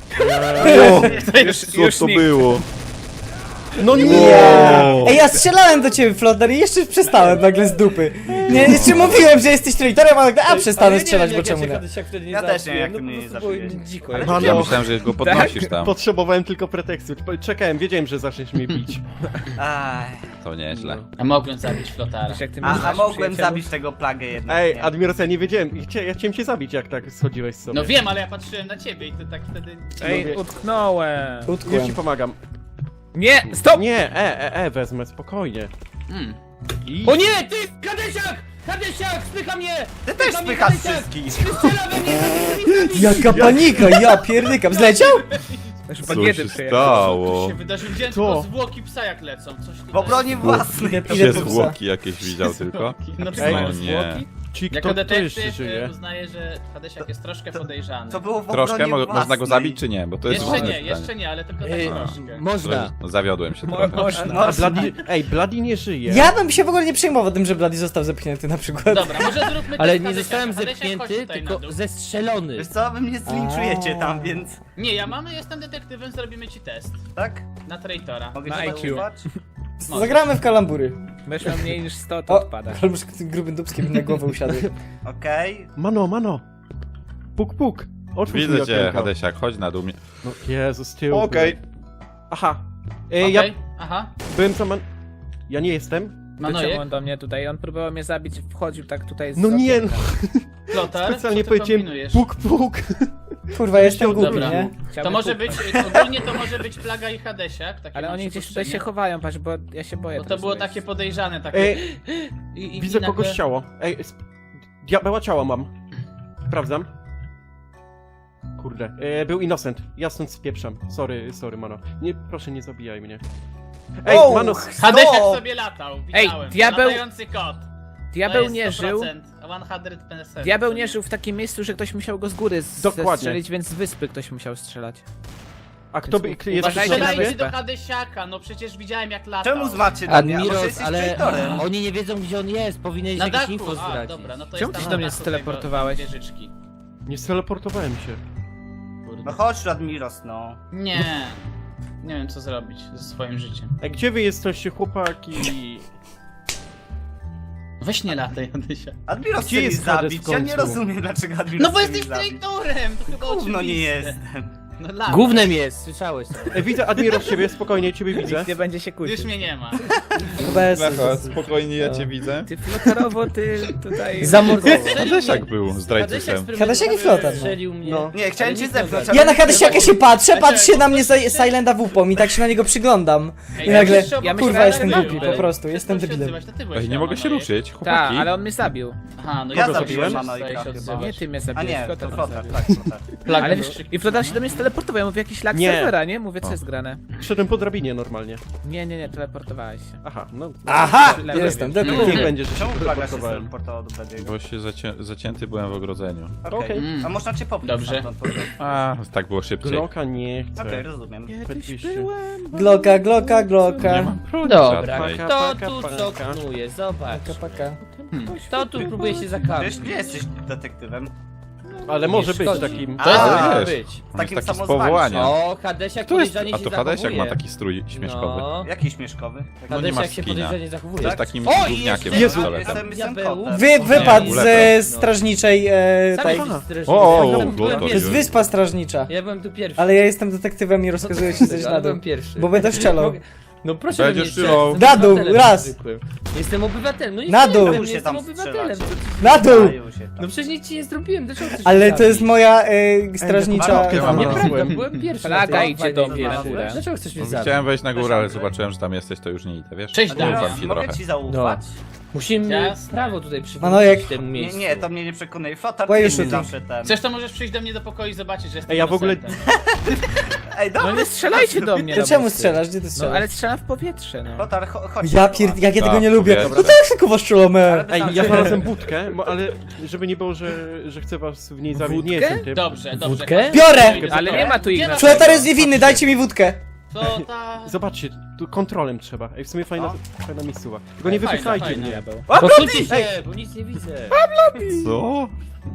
[SPEAKER 1] To już,
[SPEAKER 2] Co
[SPEAKER 1] już
[SPEAKER 2] to
[SPEAKER 1] nikt.
[SPEAKER 2] było?
[SPEAKER 3] No nie!
[SPEAKER 2] Wow.
[SPEAKER 4] Ej, ja strzelałem do ciebie, Flotar, i jeszcze przestałem nagle z dupy. Nie, jeszcze mówiłem, że jesteś traitorem, a nagle, a przestanę strzelać, bo czemu nie?
[SPEAKER 7] Ja też nie wiem, jak
[SPEAKER 6] no,
[SPEAKER 7] mnie
[SPEAKER 6] po
[SPEAKER 7] nie
[SPEAKER 6] prostu było
[SPEAKER 7] zabiłeś.
[SPEAKER 6] dziko.
[SPEAKER 7] Ale
[SPEAKER 6] jak-
[SPEAKER 3] Mano.
[SPEAKER 2] Ja myślałem, że go podnosisz tam.
[SPEAKER 3] Potrzebowałem tylko pretekstu. Czekałem, wiedziałem, że zaczniesz mnie bić.
[SPEAKER 7] Aj.
[SPEAKER 2] To nieźle.
[SPEAKER 5] A mogłem zabić flotara.
[SPEAKER 1] Wiesz, jak ty mnie
[SPEAKER 7] A, a
[SPEAKER 1] znasz,
[SPEAKER 7] mogłem
[SPEAKER 1] przyjacielu?
[SPEAKER 7] zabić tego plagę jednak,
[SPEAKER 3] Ej,
[SPEAKER 7] nie?
[SPEAKER 3] Admiros, ja nie wiedziałem. Chcia- Ja chciałem cię zabić, jak tak schodziłeś sobie.
[SPEAKER 5] No wiem, ale ja patrzyłem na ciebie i to tak wtedy...
[SPEAKER 1] Ej, utknąłem.
[SPEAKER 3] Już ci
[SPEAKER 4] Utkłem.
[SPEAKER 3] pomagam.
[SPEAKER 1] Nie, stop!
[SPEAKER 3] Nie, e, e, e, wezmę, spokojnie.
[SPEAKER 5] Mm.
[SPEAKER 3] I...
[SPEAKER 6] O nie, ty, Hadesiak! Hadesiak, spycha mnie!
[SPEAKER 7] Ty też
[SPEAKER 6] Spycha mnie
[SPEAKER 7] spychasz
[SPEAKER 6] Hadesiak!
[SPEAKER 7] wszystkich!
[SPEAKER 6] Strzela we mnie, Hadesiak!
[SPEAKER 4] Jaka panika, ja pierdykam. Zleciał?
[SPEAKER 1] Już
[SPEAKER 2] Co
[SPEAKER 1] bagiety
[SPEAKER 2] się
[SPEAKER 1] przyjechał.
[SPEAKER 5] Co
[SPEAKER 2] stało?
[SPEAKER 5] się wydarzyło? Widziałem
[SPEAKER 3] Co?
[SPEAKER 5] tylko zwłoki psa jak lecą. Coś
[SPEAKER 7] W obronie własnej!
[SPEAKER 4] Idę
[SPEAKER 2] Się
[SPEAKER 4] po psa.
[SPEAKER 2] zwłoki jakieś widział tylko?
[SPEAKER 5] No
[SPEAKER 3] Ej,
[SPEAKER 5] to
[SPEAKER 2] O nie.
[SPEAKER 3] Ci,
[SPEAKER 5] Jako
[SPEAKER 3] kto, kto jeszcze
[SPEAKER 5] detektyw
[SPEAKER 3] żyje?
[SPEAKER 5] e, uznaję, że Hadesiak jest troszkę podejrzany.
[SPEAKER 7] To było w
[SPEAKER 2] Troszkę?
[SPEAKER 7] obronie
[SPEAKER 2] Mo
[SPEAKER 7] własnej.
[SPEAKER 2] można go zabić czy nie? Bo to jest
[SPEAKER 5] Jeszcze
[SPEAKER 2] ważne
[SPEAKER 5] nie,
[SPEAKER 2] pytanie.
[SPEAKER 5] jeszcze nie, ale tylko tak
[SPEAKER 6] Ej,
[SPEAKER 5] troszkę.
[SPEAKER 6] można.
[SPEAKER 2] No, zawiodłem się
[SPEAKER 1] Mo-
[SPEAKER 2] trochę.
[SPEAKER 1] Można.
[SPEAKER 3] A Bloody, ej, Bloody nie żyje.
[SPEAKER 4] Ja bym się w ogóle nie przejmował tym, że Bloody został zepchnięty na przykład.
[SPEAKER 5] Dobra, może zróbmy
[SPEAKER 6] Ale
[SPEAKER 5] test
[SPEAKER 6] nie
[SPEAKER 5] Hadesiaka.
[SPEAKER 6] zostałem
[SPEAKER 5] Hadesiak, chodź
[SPEAKER 6] zepchnięty,
[SPEAKER 5] tutaj na
[SPEAKER 6] tylko
[SPEAKER 5] dół.
[SPEAKER 6] zestrzelony.
[SPEAKER 7] Wiesz co, wy mnie zlinczujecie
[SPEAKER 4] A.
[SPEAKER 7] tam, więc...
[SPEAKER 5] Nie, ja mamy, jestem detektywem, zrobimy ci test.
[SPEAKER 7] Tak?
[SPEAKER 5] Na traitora.
[SPEAKER 7] Mogę
[SPEAKER 1] Na
[SPEAKER 7] ci
[SPEAKER 1] I Q.
[SPEAKER 7] zaufać?
[SPEAKER 4] Zagramy w kalambury.
[SPEAKER 1] Będziesz miał mniej niż sto, to
[SPEAKER 4] O,
[SPEAKER 1] odpadasz.
[SPEAKER 4] albo z tym grubym dubskiem na głowę usiadł.
[SPEAKER 7] Okej.
[SPEAKER 3] Mano, mano. Puk, puk. Otwórz mi
[SPEAKER 2] Widzę cię,
[SPEAKER 3] okienko.
[SPEAKER 2] Hadesiak, chodź na dół. mnie-
[SPEAKER 3] No, Jezu, z tyłu.
[SPEAKER 2] Okej.
[SPEAKER 3] Aha. E,
[SPEAKER 5] Okej,
[SPEAKER 3] Ja
[SPEAKER 5] aha.
[SPEAKER 3] byłem tam... man- Ja nie jestem.
[SPEAKER 1] Dlaczego
[SPEAKER 5] Manojek,
[SPEAKER 1] on do mnie tutaj? On próbował mnie zabić, wchodził tak tutaj z
[SPEAKER 3] No nie, no.
[SPEAKER 1] okienka.
[SPEAKER 5] Flotar,
[SPEAKER 3] Specjalnie
[SPEAKER 5] co ty
[SPEAKER 3] powiedziałem
[SPEAKER 5] kombinujesz?
[SPEAKER 3] puk, puk.
[SPEAKER 4] Kurwa, jestem głupi,
[SPEAKER 5] Dobra.
[SPEAKER 4] nie?
[SPEAKER 5] To
[SPEAKER 1] Chciałbym
[SPEAKER 5] może
[SPEAKER 1] pukać.
[SPEAKER 5] być, ogólnie to może być Plaga i Hadesiak. Takie
[SPEAKER 1] Ale
[SPEAKER 5] mam
[SPEAKER 1] oni gdzieś tutaj się
[SPEAKER 5] przypuszczenie.
[SPEAKER 1] chowają, patrz, bo ja się boję.
[SPEAKER 5] Bo to
[SPEAKER 1] teraz
[SPEAKER 5] było
[SPEAKER 1] wejść.
[SPEAKER 5] takie podejrzane, takie...
[SPEAKER 3] Ej,
[SPEAKER 5] I, i,
[SPEAKER 3] widzę
[SPEAKER 5] i nagle...
[SPEAKER 3] kogoś ciało. Ej, sp- diabeła ciało mam. Sprawdzam. Kurde. E, był innocent. Ja stąd spieprzam. Sorry, sorry, mano. Nie, proszę, nie zabijaj mnie. Ej,
[SPEAKER 7] O,
[SPEAKER 3] mano.
[SPEAKER 5] Hadesiak
[SPEAKER 7] Stop!
[SPEAKER 5] sobie latał,
[SPEAKER 1] Ej,
[SPEAKER 5] widziałem.
[SPEAKER 1] diabeł-
[SPEAKER 5] Latający kot. To
[SPEAKER 1] Diabeł
[SPEAKER 5] jest
[SPEAKER 1] nie
[SPEAKER 5] sto
[SPEAKER 1] żył.
[SPEAKER 5] procent. sto procent.
[SPEAKER 1] Diabeł nie żył w takim miejscu, że ktoś musiał go z góry z-
[SPEAKER 3] Dokładnie.
[SPEAKER 1] strzelić, więc z wyspy ktoś musiał strzelać.
[SPEAKER 3] A kto by... Jest
[SPEAKER 1] Uważajcie
[SPEAKER 3] ktoś
[SPEAKER 1] na
[SPEAKER 3] na
[SPEAKER 5] Strzelajcie
[SPEAKER 3] wyspie?
[SPEAKER 5] do Hadesiaka, no przecież widziałem jak latał.
[SPEAKER 7] Czemu zmacie na mnie? A może
[SPEAKER 6] Admiros,
[SPEAKER 7] jesteś
[SPEAKER 6] ale
[SPEAKER 7] traitorem?
[SPEAKER 6] oni nie wiedzą gdzie on jest, powinieneś
[SPEAKER 5] Na
[SPEAKER 6] jakieś
[SPEAKER 5] dachu,
[SPEAKER 6] info
[SPEAKER 5] a
[SPEAKER 6] zdradzić.
[SPEAKER 5] dobra, no to
[SPEAKER 1] Czemu
[SPEAKER 5] jest
[SPEAKER 1] ty
[SPEAKER 5] tam
[SPEAKER 1] do mnie
[SPEAKER 5] na dachu
[SPEAKER 1] steleportowałeś?
[SPEAKER 5] tego wieżyczki.
[SPEAKER 3] Nie steleportowałem się.
[SPEAKER 7] No chodź, Admiros, no.
[SPEAKER 5] Nie, nie wiem co zrobić ze swoim życiem.
[SPEAKER 3] Ej, gdzie wy jesteście, chłopaki?
[SPEAKER 5] Weź nie lataj, Hadesia.
[SPEAKER 7] Admiros
[SPEAKER 3] Gdzie
[SPEAKER 7] chce mi
[SPEAKER 3] jest Hades
[SPEAKER 7] zabić,
[SPEAKER 3] w
[SPEAKER 7] ja nie
[SPEAKER 3] końcu?
[SPEAKER 7] rozumiem dlaczego Admiros
[SPEAKER 5] No bo
[SPEAKER 7] chce mi
[SPEAKER 5] jesteś
[SPEAKER 7] zabić.
[SPEAKER 5] traitorem, to chyba
[SPEAKER 7] Gówno nie
[SPEAKER 5] oczywiste.
[SPEAKER 7] jestem.
[SPEAKER 5] No lataj.
[SPEAKER 6] Gównem jest, słyszałeś to.
[SPEAKER 3] Ej, widzę Admiros ciebie, spokojnie, ciebie widzę.
[SPEAKER 1] Nikt nie będzie się kłócić.
[SPEAKER 5] Już mnie nie ma.
[SPEAKER 4] Bez...
[SPEAKER 2] Lecho, spokojnie, ja cię widzę.
[SPEAKER 1] Ty flotarowo, ty tutaj...
[SPEAKER 4] Zamordował.
[SPEAKER 2] Hadesiak był zdrajcusem.
[SPEAKER 4] Hadesiak i Flotar, no.
[SPEAKER 6] Strzelił mnie.
[SPEAKER 3] No.
[SPEAKER 7] Nie, chciałem
[SPEAKER 6] Ale
[SPEAKER 7] cię
[SPEAKER 6] nic nie
[SPEAKER 7] zepchnąć,
[SPEAKER 6] zabił.
[SPEAKER 4] Ja na Hadesiaka się patrzę, patrzy na mnie Sil- Silenta w upom i tak się na niego przyglądam. I nagle,
[SPEAKER 5] Ja myślałem,
[SPEAKER 4] kurwa,
[SPEAKER 5] że
[SPEAKER 4] jestem
[SPEAKER 5] zabił.
[SPEAKER 4] głupi, po prostu, jestem
[SPEAKER 5] Przestał się
[SPEAKER 4] debilem.
[SPEAKER 5] odzywać, to ty byłeś
[SPEAKER 2] Ej, nie
[SPEAKER 5] tam,
[SPEAKER 2] mogę
[SPEAKER 5] no
[SPEAKER 2] się
[SPEAKER 5] i-
[SPEAKER 2] ruszyć,
[SPEAKER 1] Tak,
[SPEAKER 2] chłopaki.
[SPEAKER 1] ale on mnie zabił.
[SPEAKER 5] Aha, no
[SPEAKER 7] Ja
[SPEAKER 5] ja
[SPEAKER 7] zabiłem
[SPEAKER 5] zabiłem
[SPEAKER 7] Manojka chyba.
[SPEAKER 1] Nie, ty mnie
[SPEAKER 7] A
[SPEAKER 1] zabiłeś,
[SPEAKER 7] nie,
[SPEAKER 1] Flotar
[SPEAKER 7] to
[SPEAKER 1] mnie
[SPEAKER 7] flotar,
[SPEAKER 1] zabił.
[SPEAKER 7] tak, flotar.
[SPEAKER 1] Ale wiesz, i Flotar się do mnie steleportował, ja mówię jakiś lag
[SPEAKER 3] Nie.
[SPEAKER 1] serwera, nie? Mówię, co jest grane.
[SPEAKER 3] Szedłem po drabinie normalnie.
[SPEAKER 1] Nie, nie, nie, teleportowałeś się.
[SPEAKER 3] Aha, no.
[SPEAKER 4] Aha!
[SPEAKER 1] Lewo,
[SPEAKER 4] Jestem,
[SPEAKER 1] lewo.
[SPEAKER 3] Niech
[SPEAKER 4] detektyw.
[SPEAKER 3] będzie, że się
[SPEAKER 7] Czemu plaga się
[SPEAKER 3] teleportowałem.
[SPEAKER 7] teleportowała do Bladiego?
[SPEAKER 2] Bo się zacię zacięty byłem w ogrodzeniu.
[SPEAKER 3] Okej.
[SPEAKER 7] Okej,
[SPEAKER 5] Mm.
[SPEAKER 7] a można cię popchnąć
[SPEAKER 5] Dobrze.
[SPEAKER 7] stamtąd, po prostu.
[SPEAKER 2] A, tak było szybciej.
[SPEAKER 3] Glocka nie
[SPEAKER 7] Okej,
[SPEAKER 3] chcę.
[SPEAKER 7] rozumiem.
[SPEAKER 3] Oczywiście.
[SPEAKER 4] Glocka, glocka,
[SPEAKER 2] Nie
[SPEAKER 4] glocka.
[SPEAKER 2] mam broni
[SPEAKER 6] Dobra,
[SPEAKER 2] żadnej.
[SPEAKER 3] Paka,
[SPEAKER 6] kto
[SPEAKER 3] paka,
[SPEAKER 6] tu
[SPEAKER 3] paka.
[SPEAKER 6] co knuje? Zobacz.
[SPEAKER 4] Paka, paka.
[SPEAKER 6] Kto tu próbuje się
[SPEAKER 7] Wiesz,
[SPEAKER 6] zakampić?
[SPEAKER 7] gdzie jesteś detektywem?
[SPEAKER 3] Ale może być
[SPEAKER 6] szkodzi.
[SPEAKER 3] takim...
[SPEAKER 5] To jest-
[SPEAKER 7] A,
[SPEAKER 2] wiesz.
[SPEAKER 6] być.
[SPEAKER 7] z
[SPEAKER 2] On
[SPEAKER 7] takim
[SPEAKER 2] jest taki z
[SPEAKER 7] samozwaniem.
[SPEAKER 2] powołania.
[SPEAKER 6] O, Hadesiak
[SPEAKER 2] Kto jest?
[SPEAKER 6] podejrzanie
[SPEAKER 2] A
[SPEAKER 6] się
[SPEAKER 2] to Hadesiak ma
[SPEAKER 6] zachowuje.
[SPEAKER 2] taki strój śmieszkowy.
[SPEAKER 6] No.
[SPEAKER 7] Jaki śmieszkowy?
[SPEAKER 2] No nie ma
[SPEAKER 6] Hadesiak się
[SPEAKER 2] skina.
[SPEAKER 6] podejrzanie zachowuje.
[SPEAKER 2] Jest takim
[SPEAKER 6] O, i
[SPEAKER 2] gówniakiem
[SPEAKER 6] jeszcze-
[SPEAKER 2] z
[SPEAKER 3] Jezu.
[SPEAKER 2] pistoletem.
[SPEAKER 7] Jestem, jestem
[SPEAKER 6] Diabeł.
[SPEAKER 7] kotem.
[SPEAKER 4] Wy, wypadł
[SPEAKER 2] Ulewa.
[SPEAKER 4] ze strażniczej, e,
[SPEAKER 6] Sam
[SPEAKER 4] tej.
[SPEAKER 6] jesteś strażnikiem.
[SPEAKER 2] O, o,
[SPEAKER 6] Ja
[SPEAKER 2] o,
[SPEAKER 6] byłem
[SPEAKER 2] Glotor
[SPEAKER 4] To
[SPEAKER 6] pierwszy.
[SPEAKER 4] jest wyspa strażnicza.
[SPEAKER 6] Ja byłem tu pierwszy.
[SPEAKER 4] Ale ja jestem detektywem i rozkazuję ci coś
[SPEAKER 6] Ale
[SPEAKER 4] na dół.
[SPEAKER 6] byłem pierwszy.
[SPEAKER 4] Bo będę strzelał.
[SPEAKER 6] Mogę- No proszę
[SPEAKER 2] Będziesz
[SPEAKER 6] mnie
[SPEAKER 2] strzelał.
[SPEAKER 6] strzelać,
[SPEAKER 4] Na dół,
[SPEAKER 6] jestem
[SPEAKER 4] raz.
[SPEAKER 6] zwykłym. Jestem obywatelem, no nie
[SPEAKER 4] Na dół.
[SPEAKER 6] strzelam,
[SPEAKER 7] Już się
[SPEAKER 6] jestem
[SPEAKER 7] tam
[SPEAKER 6] obywatelem.
[SPEAKER 7] strzelacie.
[SPEAKER 6] Co ty-
[SPEAKER 4] Na dół!
[SPEAKER 7] Dają się tam.
[SPEAKER 6] No przecież nic ci nie zrobiłem, dlaczego chcesz
[SPEAKER 4] Ale
[SPEAKER 6] mnie
[SPEAKER 4] to jest
[SPEAKER 6] zabić?
[SPEAKER 4] moja e, strażnicza...
[SPEAKER 7] Marokkę
[SPEAKER 2] mam.
[SPEAKER 6] Nieprawda, byłem pierwszy. na
[SPEAKER 1] Plaga
[SPEAKER 6] tej
[SPEAKER 1] idzie do
[SPEAKER 6] fajnej
[SPEAKER 1] mnie na
[SPEAKER 6] wieży.
[SPEAKER 1] górę.
[SPEAKER 6] Dlaczego chcesz mnie
[SPEAKER 2] No,
[SPEAKER 6] zabić?
[SPEAKER 2] chciałem wejść na górę, ale zobaczyłem, że tam jesteś, to już nie idę, wiesz?
[SPEAKER 5] Cześć,
[SPEAKER 2] Ufam
[SPEAKER 5] Diabeł.
[SPEAKER 2] ci
[SPEAKER 7] Mogę
[SPEAKER 2] trochę.
[SPEAKER 7] ci zaufać?
[SPEAKER 6] Musimy
[SPEAKER 5] Jasne.
[SPEAKER 6] prawo tutaj przywrócić
[SPEAKER 4] Manojek.
[SPEAKER 6] w tym
[SPEAKER 7] Nie,
[SPEAKER 6] miejscu.
[SPEAKER 7] nie, to mnie nie przekonuje. Flotar,
[SPEAKER 4] Why
[SPEAKER 7] ty
[SPEAKER 4] you
[SPEAKER 7] mnie
[SPEAKER 4] shooting?
[SPEAKER 7] zawsze ten.
[SPEAKER 5] Chcesz, to możesz przyjść do mnie do pokoju i zobaczyć, że jestem
[SPEAKER 3] Ej, ja w ogóle-
[SPEAKER 5] innocentem.
[SPEAKER 7] Ej, dobra.
[SPEAKER 1] No nie strzelajcie do mnie,
[SPEAKER 4] To
[SPEAKER 1] no
[SPEAKER 4] czemu
[SPEAKER 1] bo-
[SPEAKER 4] strzelasz? Gdzie ty
[SPEAKER 1] No
[SPEAKER 4] strzelasz?
[SPEAKER 1] ale strzelam w powietrze, no.
[SPEAKER 7] Flotar, cho- chodź.
[SPEAKER 4] Ja pierd... jak ja tego
[SPEAKER 2] Tak,
[SPEAKER 4] nie lubię.
[SPEAKER 2] powietrze.
[SPEAKER 4] No tak tylko was strzelamy.
[SPEAKER 7] Ale-
[SPEAKER 3] Ej, ja znalazłem budkę, bo- ale żeby nie było, że, że chcę was w niej zabić. Nie
[SPEAKER 1] Wódkę?
[SPEAKER 3] jestem tym.
[SPEAKER 5] Dobrze, dobrze.
[SPEAKER 6] Wódkę?
[SPEAKER 5] chodź.
[SPEAKER 4] Biorę!
[SPEAKER 5] Idę
[SPEAKER 1] Ale
[SPEAKER 5] za
[SPEAKER 1] nie
[SPEAKER 5] tobą.
[SPEAKER 1] ma tu Ignacy.
[SPEAKER 4] Flotar jest niewinny, dajcie mi wódkę.
[SPEAKER 5] Co ta...
[SPEAKER 3] Zobaczcie, tu kontrolem trzeba. Ej, w sumie fajna, fajna miejscowa. Tylko nie
[SPEAKER 5] Fajna,
[SPEAKER 3] wypychajcie
[SPEAKER 5] fajna.
[SPEAKER 3] mnie.
[SPEAKER 1] Diabeł.
[SPEAKER 6] Posuńcie się, bo nic nie widzę.
[SPEAKER 2] Co?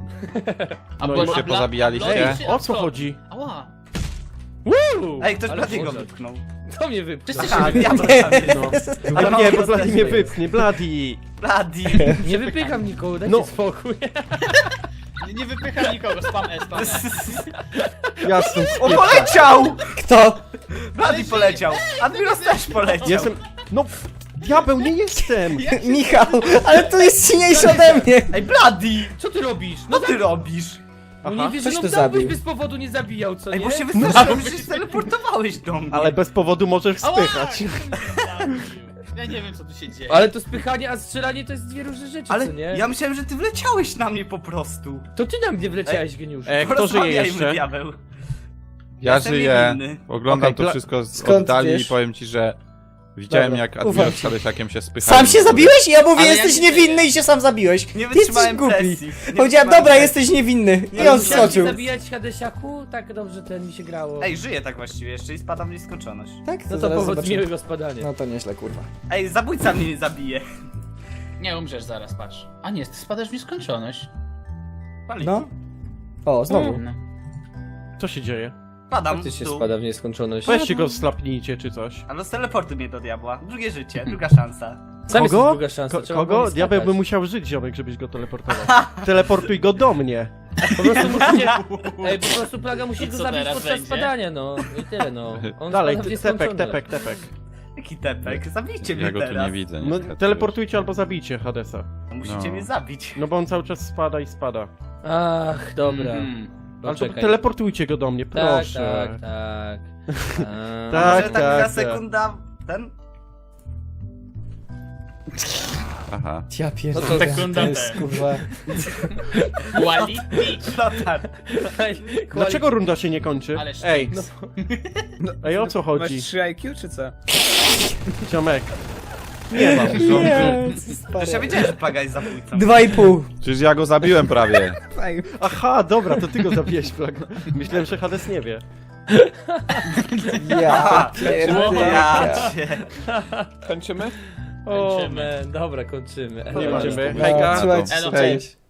[SPEAKER 5] A
[SPEAKER 3] No
[SPEAKER 5] bo-
[SPEAKER 3] i
[SPEAKER 5] a
[SPEAKER 2] się
[SPEAKER 5] bla-
[SPEAKER 2] pozabijaliście?
[SPEAKER 5] a bla-
[SPEAKER 3] O co chodzi?
[SPEAKER 5] Ała.
[SPEAKER 7] Ej, ktoś
[SPEAKER 6] Ale
[SPEAKER 7] Bladiego
[SPEAKER 6] Boże.
[SPEAKER 7] wypchnął.
[SPEAKER 6] To mnie wypchnął.
[SPEAKER 5] Wszyscy
[SPEAKER 7] Aha,
[SPEAKER 5] się...
[SPEAKER 7] ja to
[SPEAKER 4] Nie.
[SPEAKER 7] tam
[SPEAKER 3] No.
[SPEAKER 7] Ale
[SPEAKER 3] Ale
[SPEAKER 7] mało
[SPEAKER 3] nie, bo
[SPEAKER 7] rozdaję.
[SPEAKER 3] Bladi mnie wypchnie, Bladi!
[SPEAKER 7] Bladi.
[SPEAKER 6] Nie wypycham nikogo, dajcie
[SPEAKER 3] No.
[SPEAKER 6] spokój.
[SPEAKER 5] Nie, nie wypycham nikogo, spam S, spam S.
[SPEAKER 3] Jasne.
[SPEAKER 7] O, poleciał!
[SPEAKER 4] Kto?
[SPEAKER 7] Bladi poleciał. Admiros też poleciał.
[SPEAKER 3] Jestem... No, diabeł, nie jestem!
[SPEAKER 4] Michał, ale to jest silniejszy ode mnie.
[SPEAKER 7] Ej, Bladi!
[SPEAKER 6] Co ty robisz?
[SPEAKER 7] Co ty robisz?
[SPEAKER 6] No
[SPEAKER 3] Aha.
[SPEAKER 6] nie wiesz,
[SPEAKER 4] Coś
[SPEAKER 6] że
[SPEAKER 4] tu
[SPEAKER 6] no dałbyś
[SPEAKER 4] zabił.
[SPEAKER 6] bez powodu nie zabijał, co
[SPEAKER 7] Ej,
[SPEAKER 6] nie?
[SPEAKER 7] bo się wystraszyłem, że się teleportowałeś do mnie.
[SPEAKER 3] Ale bez powodu możesz
[SPEAKER 5] Ała!
[SPEAKER 3] spychać.
[SPEAKER 5] Ja nie wiem, co tu się dzieje.
[SPEAKER 6] Ale to spychanie, a strzelanie to jest dwie różne rzeczy,
[SPEAKER 7] Ale
[SPEAKER 6] co nie?
[SPEAKER 7] ja myślałem, że ty wleciałeś na mnie po prostu.
[SPEAKER 6] To ty na mnie wleciałeś, geniusz.
[SPEAKER 3] E, kto żyje
[SPEAKER 7] Porozmawiajmy,
[SPEAKER 3] jeszcze?
[SPEAKER 7] diabeł.
[SPEAKER 2] Ja
[SPEAKER 7] Jestem
[SPEAKER 2] żyję,
[SPEAKER 7] niewinny.
[SPEAKER 2] oglądam
[SPEAKER 3] Okej,
[SPEAKER 2] to
[SPEAKER 3] dla-
[SPEAKER 2] wszystko z
[SPEAKER 4] Skąd
[SPEAKER 2] oddali
[SPEAKER 4] wiesz?
[SPEAKER 2] i powiem ci, że widziałem
[SPEAKER 4] Dobra,
[SPEAKER 2] jak
[SPEAKER 4] ufam
[SPEAKER 2] Admiros
[SPEAKER 4] ci.
[SPEAKER 2] z Hadesiakiem się spychali.
[SPEAKER 4] Sam się zabiłeś i ja mówię,
[SPEAKER 5] Ale ja
[SPEAKER 4] jesteś
[SPEAKER 5] nie
[SPEAKER 4] niewinny
[SPEAKER 5] żyję.
[SPEAKER 4] i się sam zabiłeś.
[SPEAKER 7] Nie
[SPEAKER 4] Ty jesteś
[SPEAKER 7] wytrzymałem
[SPEAKER 4] głupi.
[SPEAKER 7] presji. Nie
[SPEAKER 4] Powiedziałem,
[SPEAKER 7] wytrzymałem
[SPEAKER 4] dobra,
[SPEAKER 7] presji.
[SPEAKER 4] jesteś niewinny. I
[SPEAKER 6] Ale
[SPEAKER 4] on
[SPEAKER 6] musiałem
[SPEAKER 4] skoczył.
[SPEAKER 6] zabijać Hadesiaku? Tak dobrze ten mi się grało.
[SPEAKER 7] Ej, żyję tak właściwie jeszcze i spadam w nieskończoność.
[SPEAKER 4] Tak,
[SPEAKER 6] no to
[SPEAKER 4] zaraz
[SPEAKER 6] powód
[SPEAKER 4] zobaczymy.
[SPEAKER 6] miłego spadania.
[SPEAKER 4] No to nieźle, kurwa.
[SPEAKER 7] Ej, zabójca mnie nie zabije.
[SPEAKER 5] Nie umrzesz zaraz, patrz. A nie, ty spadasz w nieskończoność.
[SPEAKER 7] Pali.
[SPEAKER 4] No. O, znowu.
[SPEAKER 5] No.
[SPEAKER 3] Co się dzieje?
[SPEAKER 7] Padam
[SPEAKER 6] Ty się
[SPEAKER 7] w dół.
[SPEAKER 6] spada w nieskończoność.
[SPEAKER 3] Weźcie go, slapnijcie czy coś.
[SPEAKER 7] Ale z teleportu mnie do diabła. Drugie życie, druga szansa.
[SPEAKER 6] Sam jest
[SPEAKER 3] Kogo?
[SPEAKER 6] druga szansa,
[SPEAKER 3] Ko
[SPEAKER 6] trzeba
[SPEAKER 3] kogo?
[SPEAKER 6] było
[SPEAKER 3] Diabeł
[SPEAKER 6] skakać.
[SPEAKER 3] by musiał żyć, ziomek, żebyś go teleportował. Teleportuj go do mnie.
[SPEAKER 6] Po prostu musicie... Ej, po prostu plaga musi go
[SPEAKER 5] Co
[SPEAKER 6] zabić
[SPEAKER 5] teraz
[SPEAKER 6] podczas
[SPEAKER 5] będzie?
[SPEAKER 6] spadania, no. I tyle, no. On
[SPEAKER 3] Dalej,
[SPEAKER 6] spada w
[SPEAKER 3] ty- tepek,
[SPEAKER 6] nieskończoność.
[SPEAKER 3] tepek, tepek.
[SPEAKER 7] Jaki tepek? Zabijcie mnie
[SPEAKER 2] Ja go tu
[SPEAKER 7] teraz.
[SPEAKER 2] nie widzę,
[SPEAKER 3] No,
[SPEAKER 2] niestety.
[SPEAKER 3] teleportujcie albo zabijcie Hadesa.
[SPEAKER 7] Musicie
[SPEAKER 2] No.
[SPEAKER 7] mnie zabić.
[SPEAKER 3] No bo on cały czas spada i spada.
[SPEAKER 6] Ach, dobra.
[SPEAKER 5] Mhm.
[SPEAKER 6] No,
[SPEAKER 3] Ale to
[SPEAKER 6] czekaj.
[SPEAKER 3] teleportujcie go do mnie,
[SPEAKER 6] Tak,
[SPEAKER 3] proszę.
[SPEAKER 6] tak, tak. A,
[SPEAKER 3] Tak,
[SPEAKER 7] Może tak na
[SPEAKER 3] tak.
[SPEAKER 7] sekunda... Ten?
[SPEAKER 2] Aha.
[SPEAKER 4] Ja pierdolę.
[SPEAKER 6] No to
[SPEAKER 5] sekunda
[SPEAKER 4] to jest,
[SPEAKER 5] ten.
[SPEAKER 4] kurwa.
[SPEAKER 5] Wally Beach.
[SPEAKER 7] Flotar.
[SPEAKER 3] Dlaczego runda się nie kończy?
[SPEAKER 5] Ale
[SPEAKER 3] Ej,
[SPEAKER 5] no.
[SPEAKER 3] ej, o co
[SPEAKER 1] Masz
[SPEAKER 3] chodzi?
[SPEAKER 1] trzy I Q czy co?
[SPEAKER 3] Ziomek. Nie mam.
[SPEAKER 4] Nie, co
[SPEAKER 7] Przecież
[SPEAKER 4] stary.
[SPEAKER 7] ja wiedziałem, że Plaga jest zabójcą.
[SPEAKER 4] Dwa i pół.
[SPEAKER 2] Przecież ja go zabiłem prawie.
[SPEAKER 3] Aha, dobra, to ty go zabiłeś, Plaga. Myślałem, że Hades nie wie.
[SPEAKER 4] Ja
[SPEAKER 7] Ja
[SPEAKER 4] pierdolę.
[SPEAKER 7] cię.
[SPEAKER 8] Kończymy?
[SPEAKER 6] O,
[SPEAKER 5] Kończymy.
[SPEAKER 6] man, dobra, kończymy.
[SPEAKER 3] Nie
[SPEAKER 6] Elo,
[SPEAKER 3] możemy.
[SPEAKER 4] No,
[SPEAKER 3] Hejka.
[SPEAKER 4] słuchajcie,
[SPEAKER 5] Elo,
[SPEAKER 2] Hej.
[SPEAKER 4] cześć.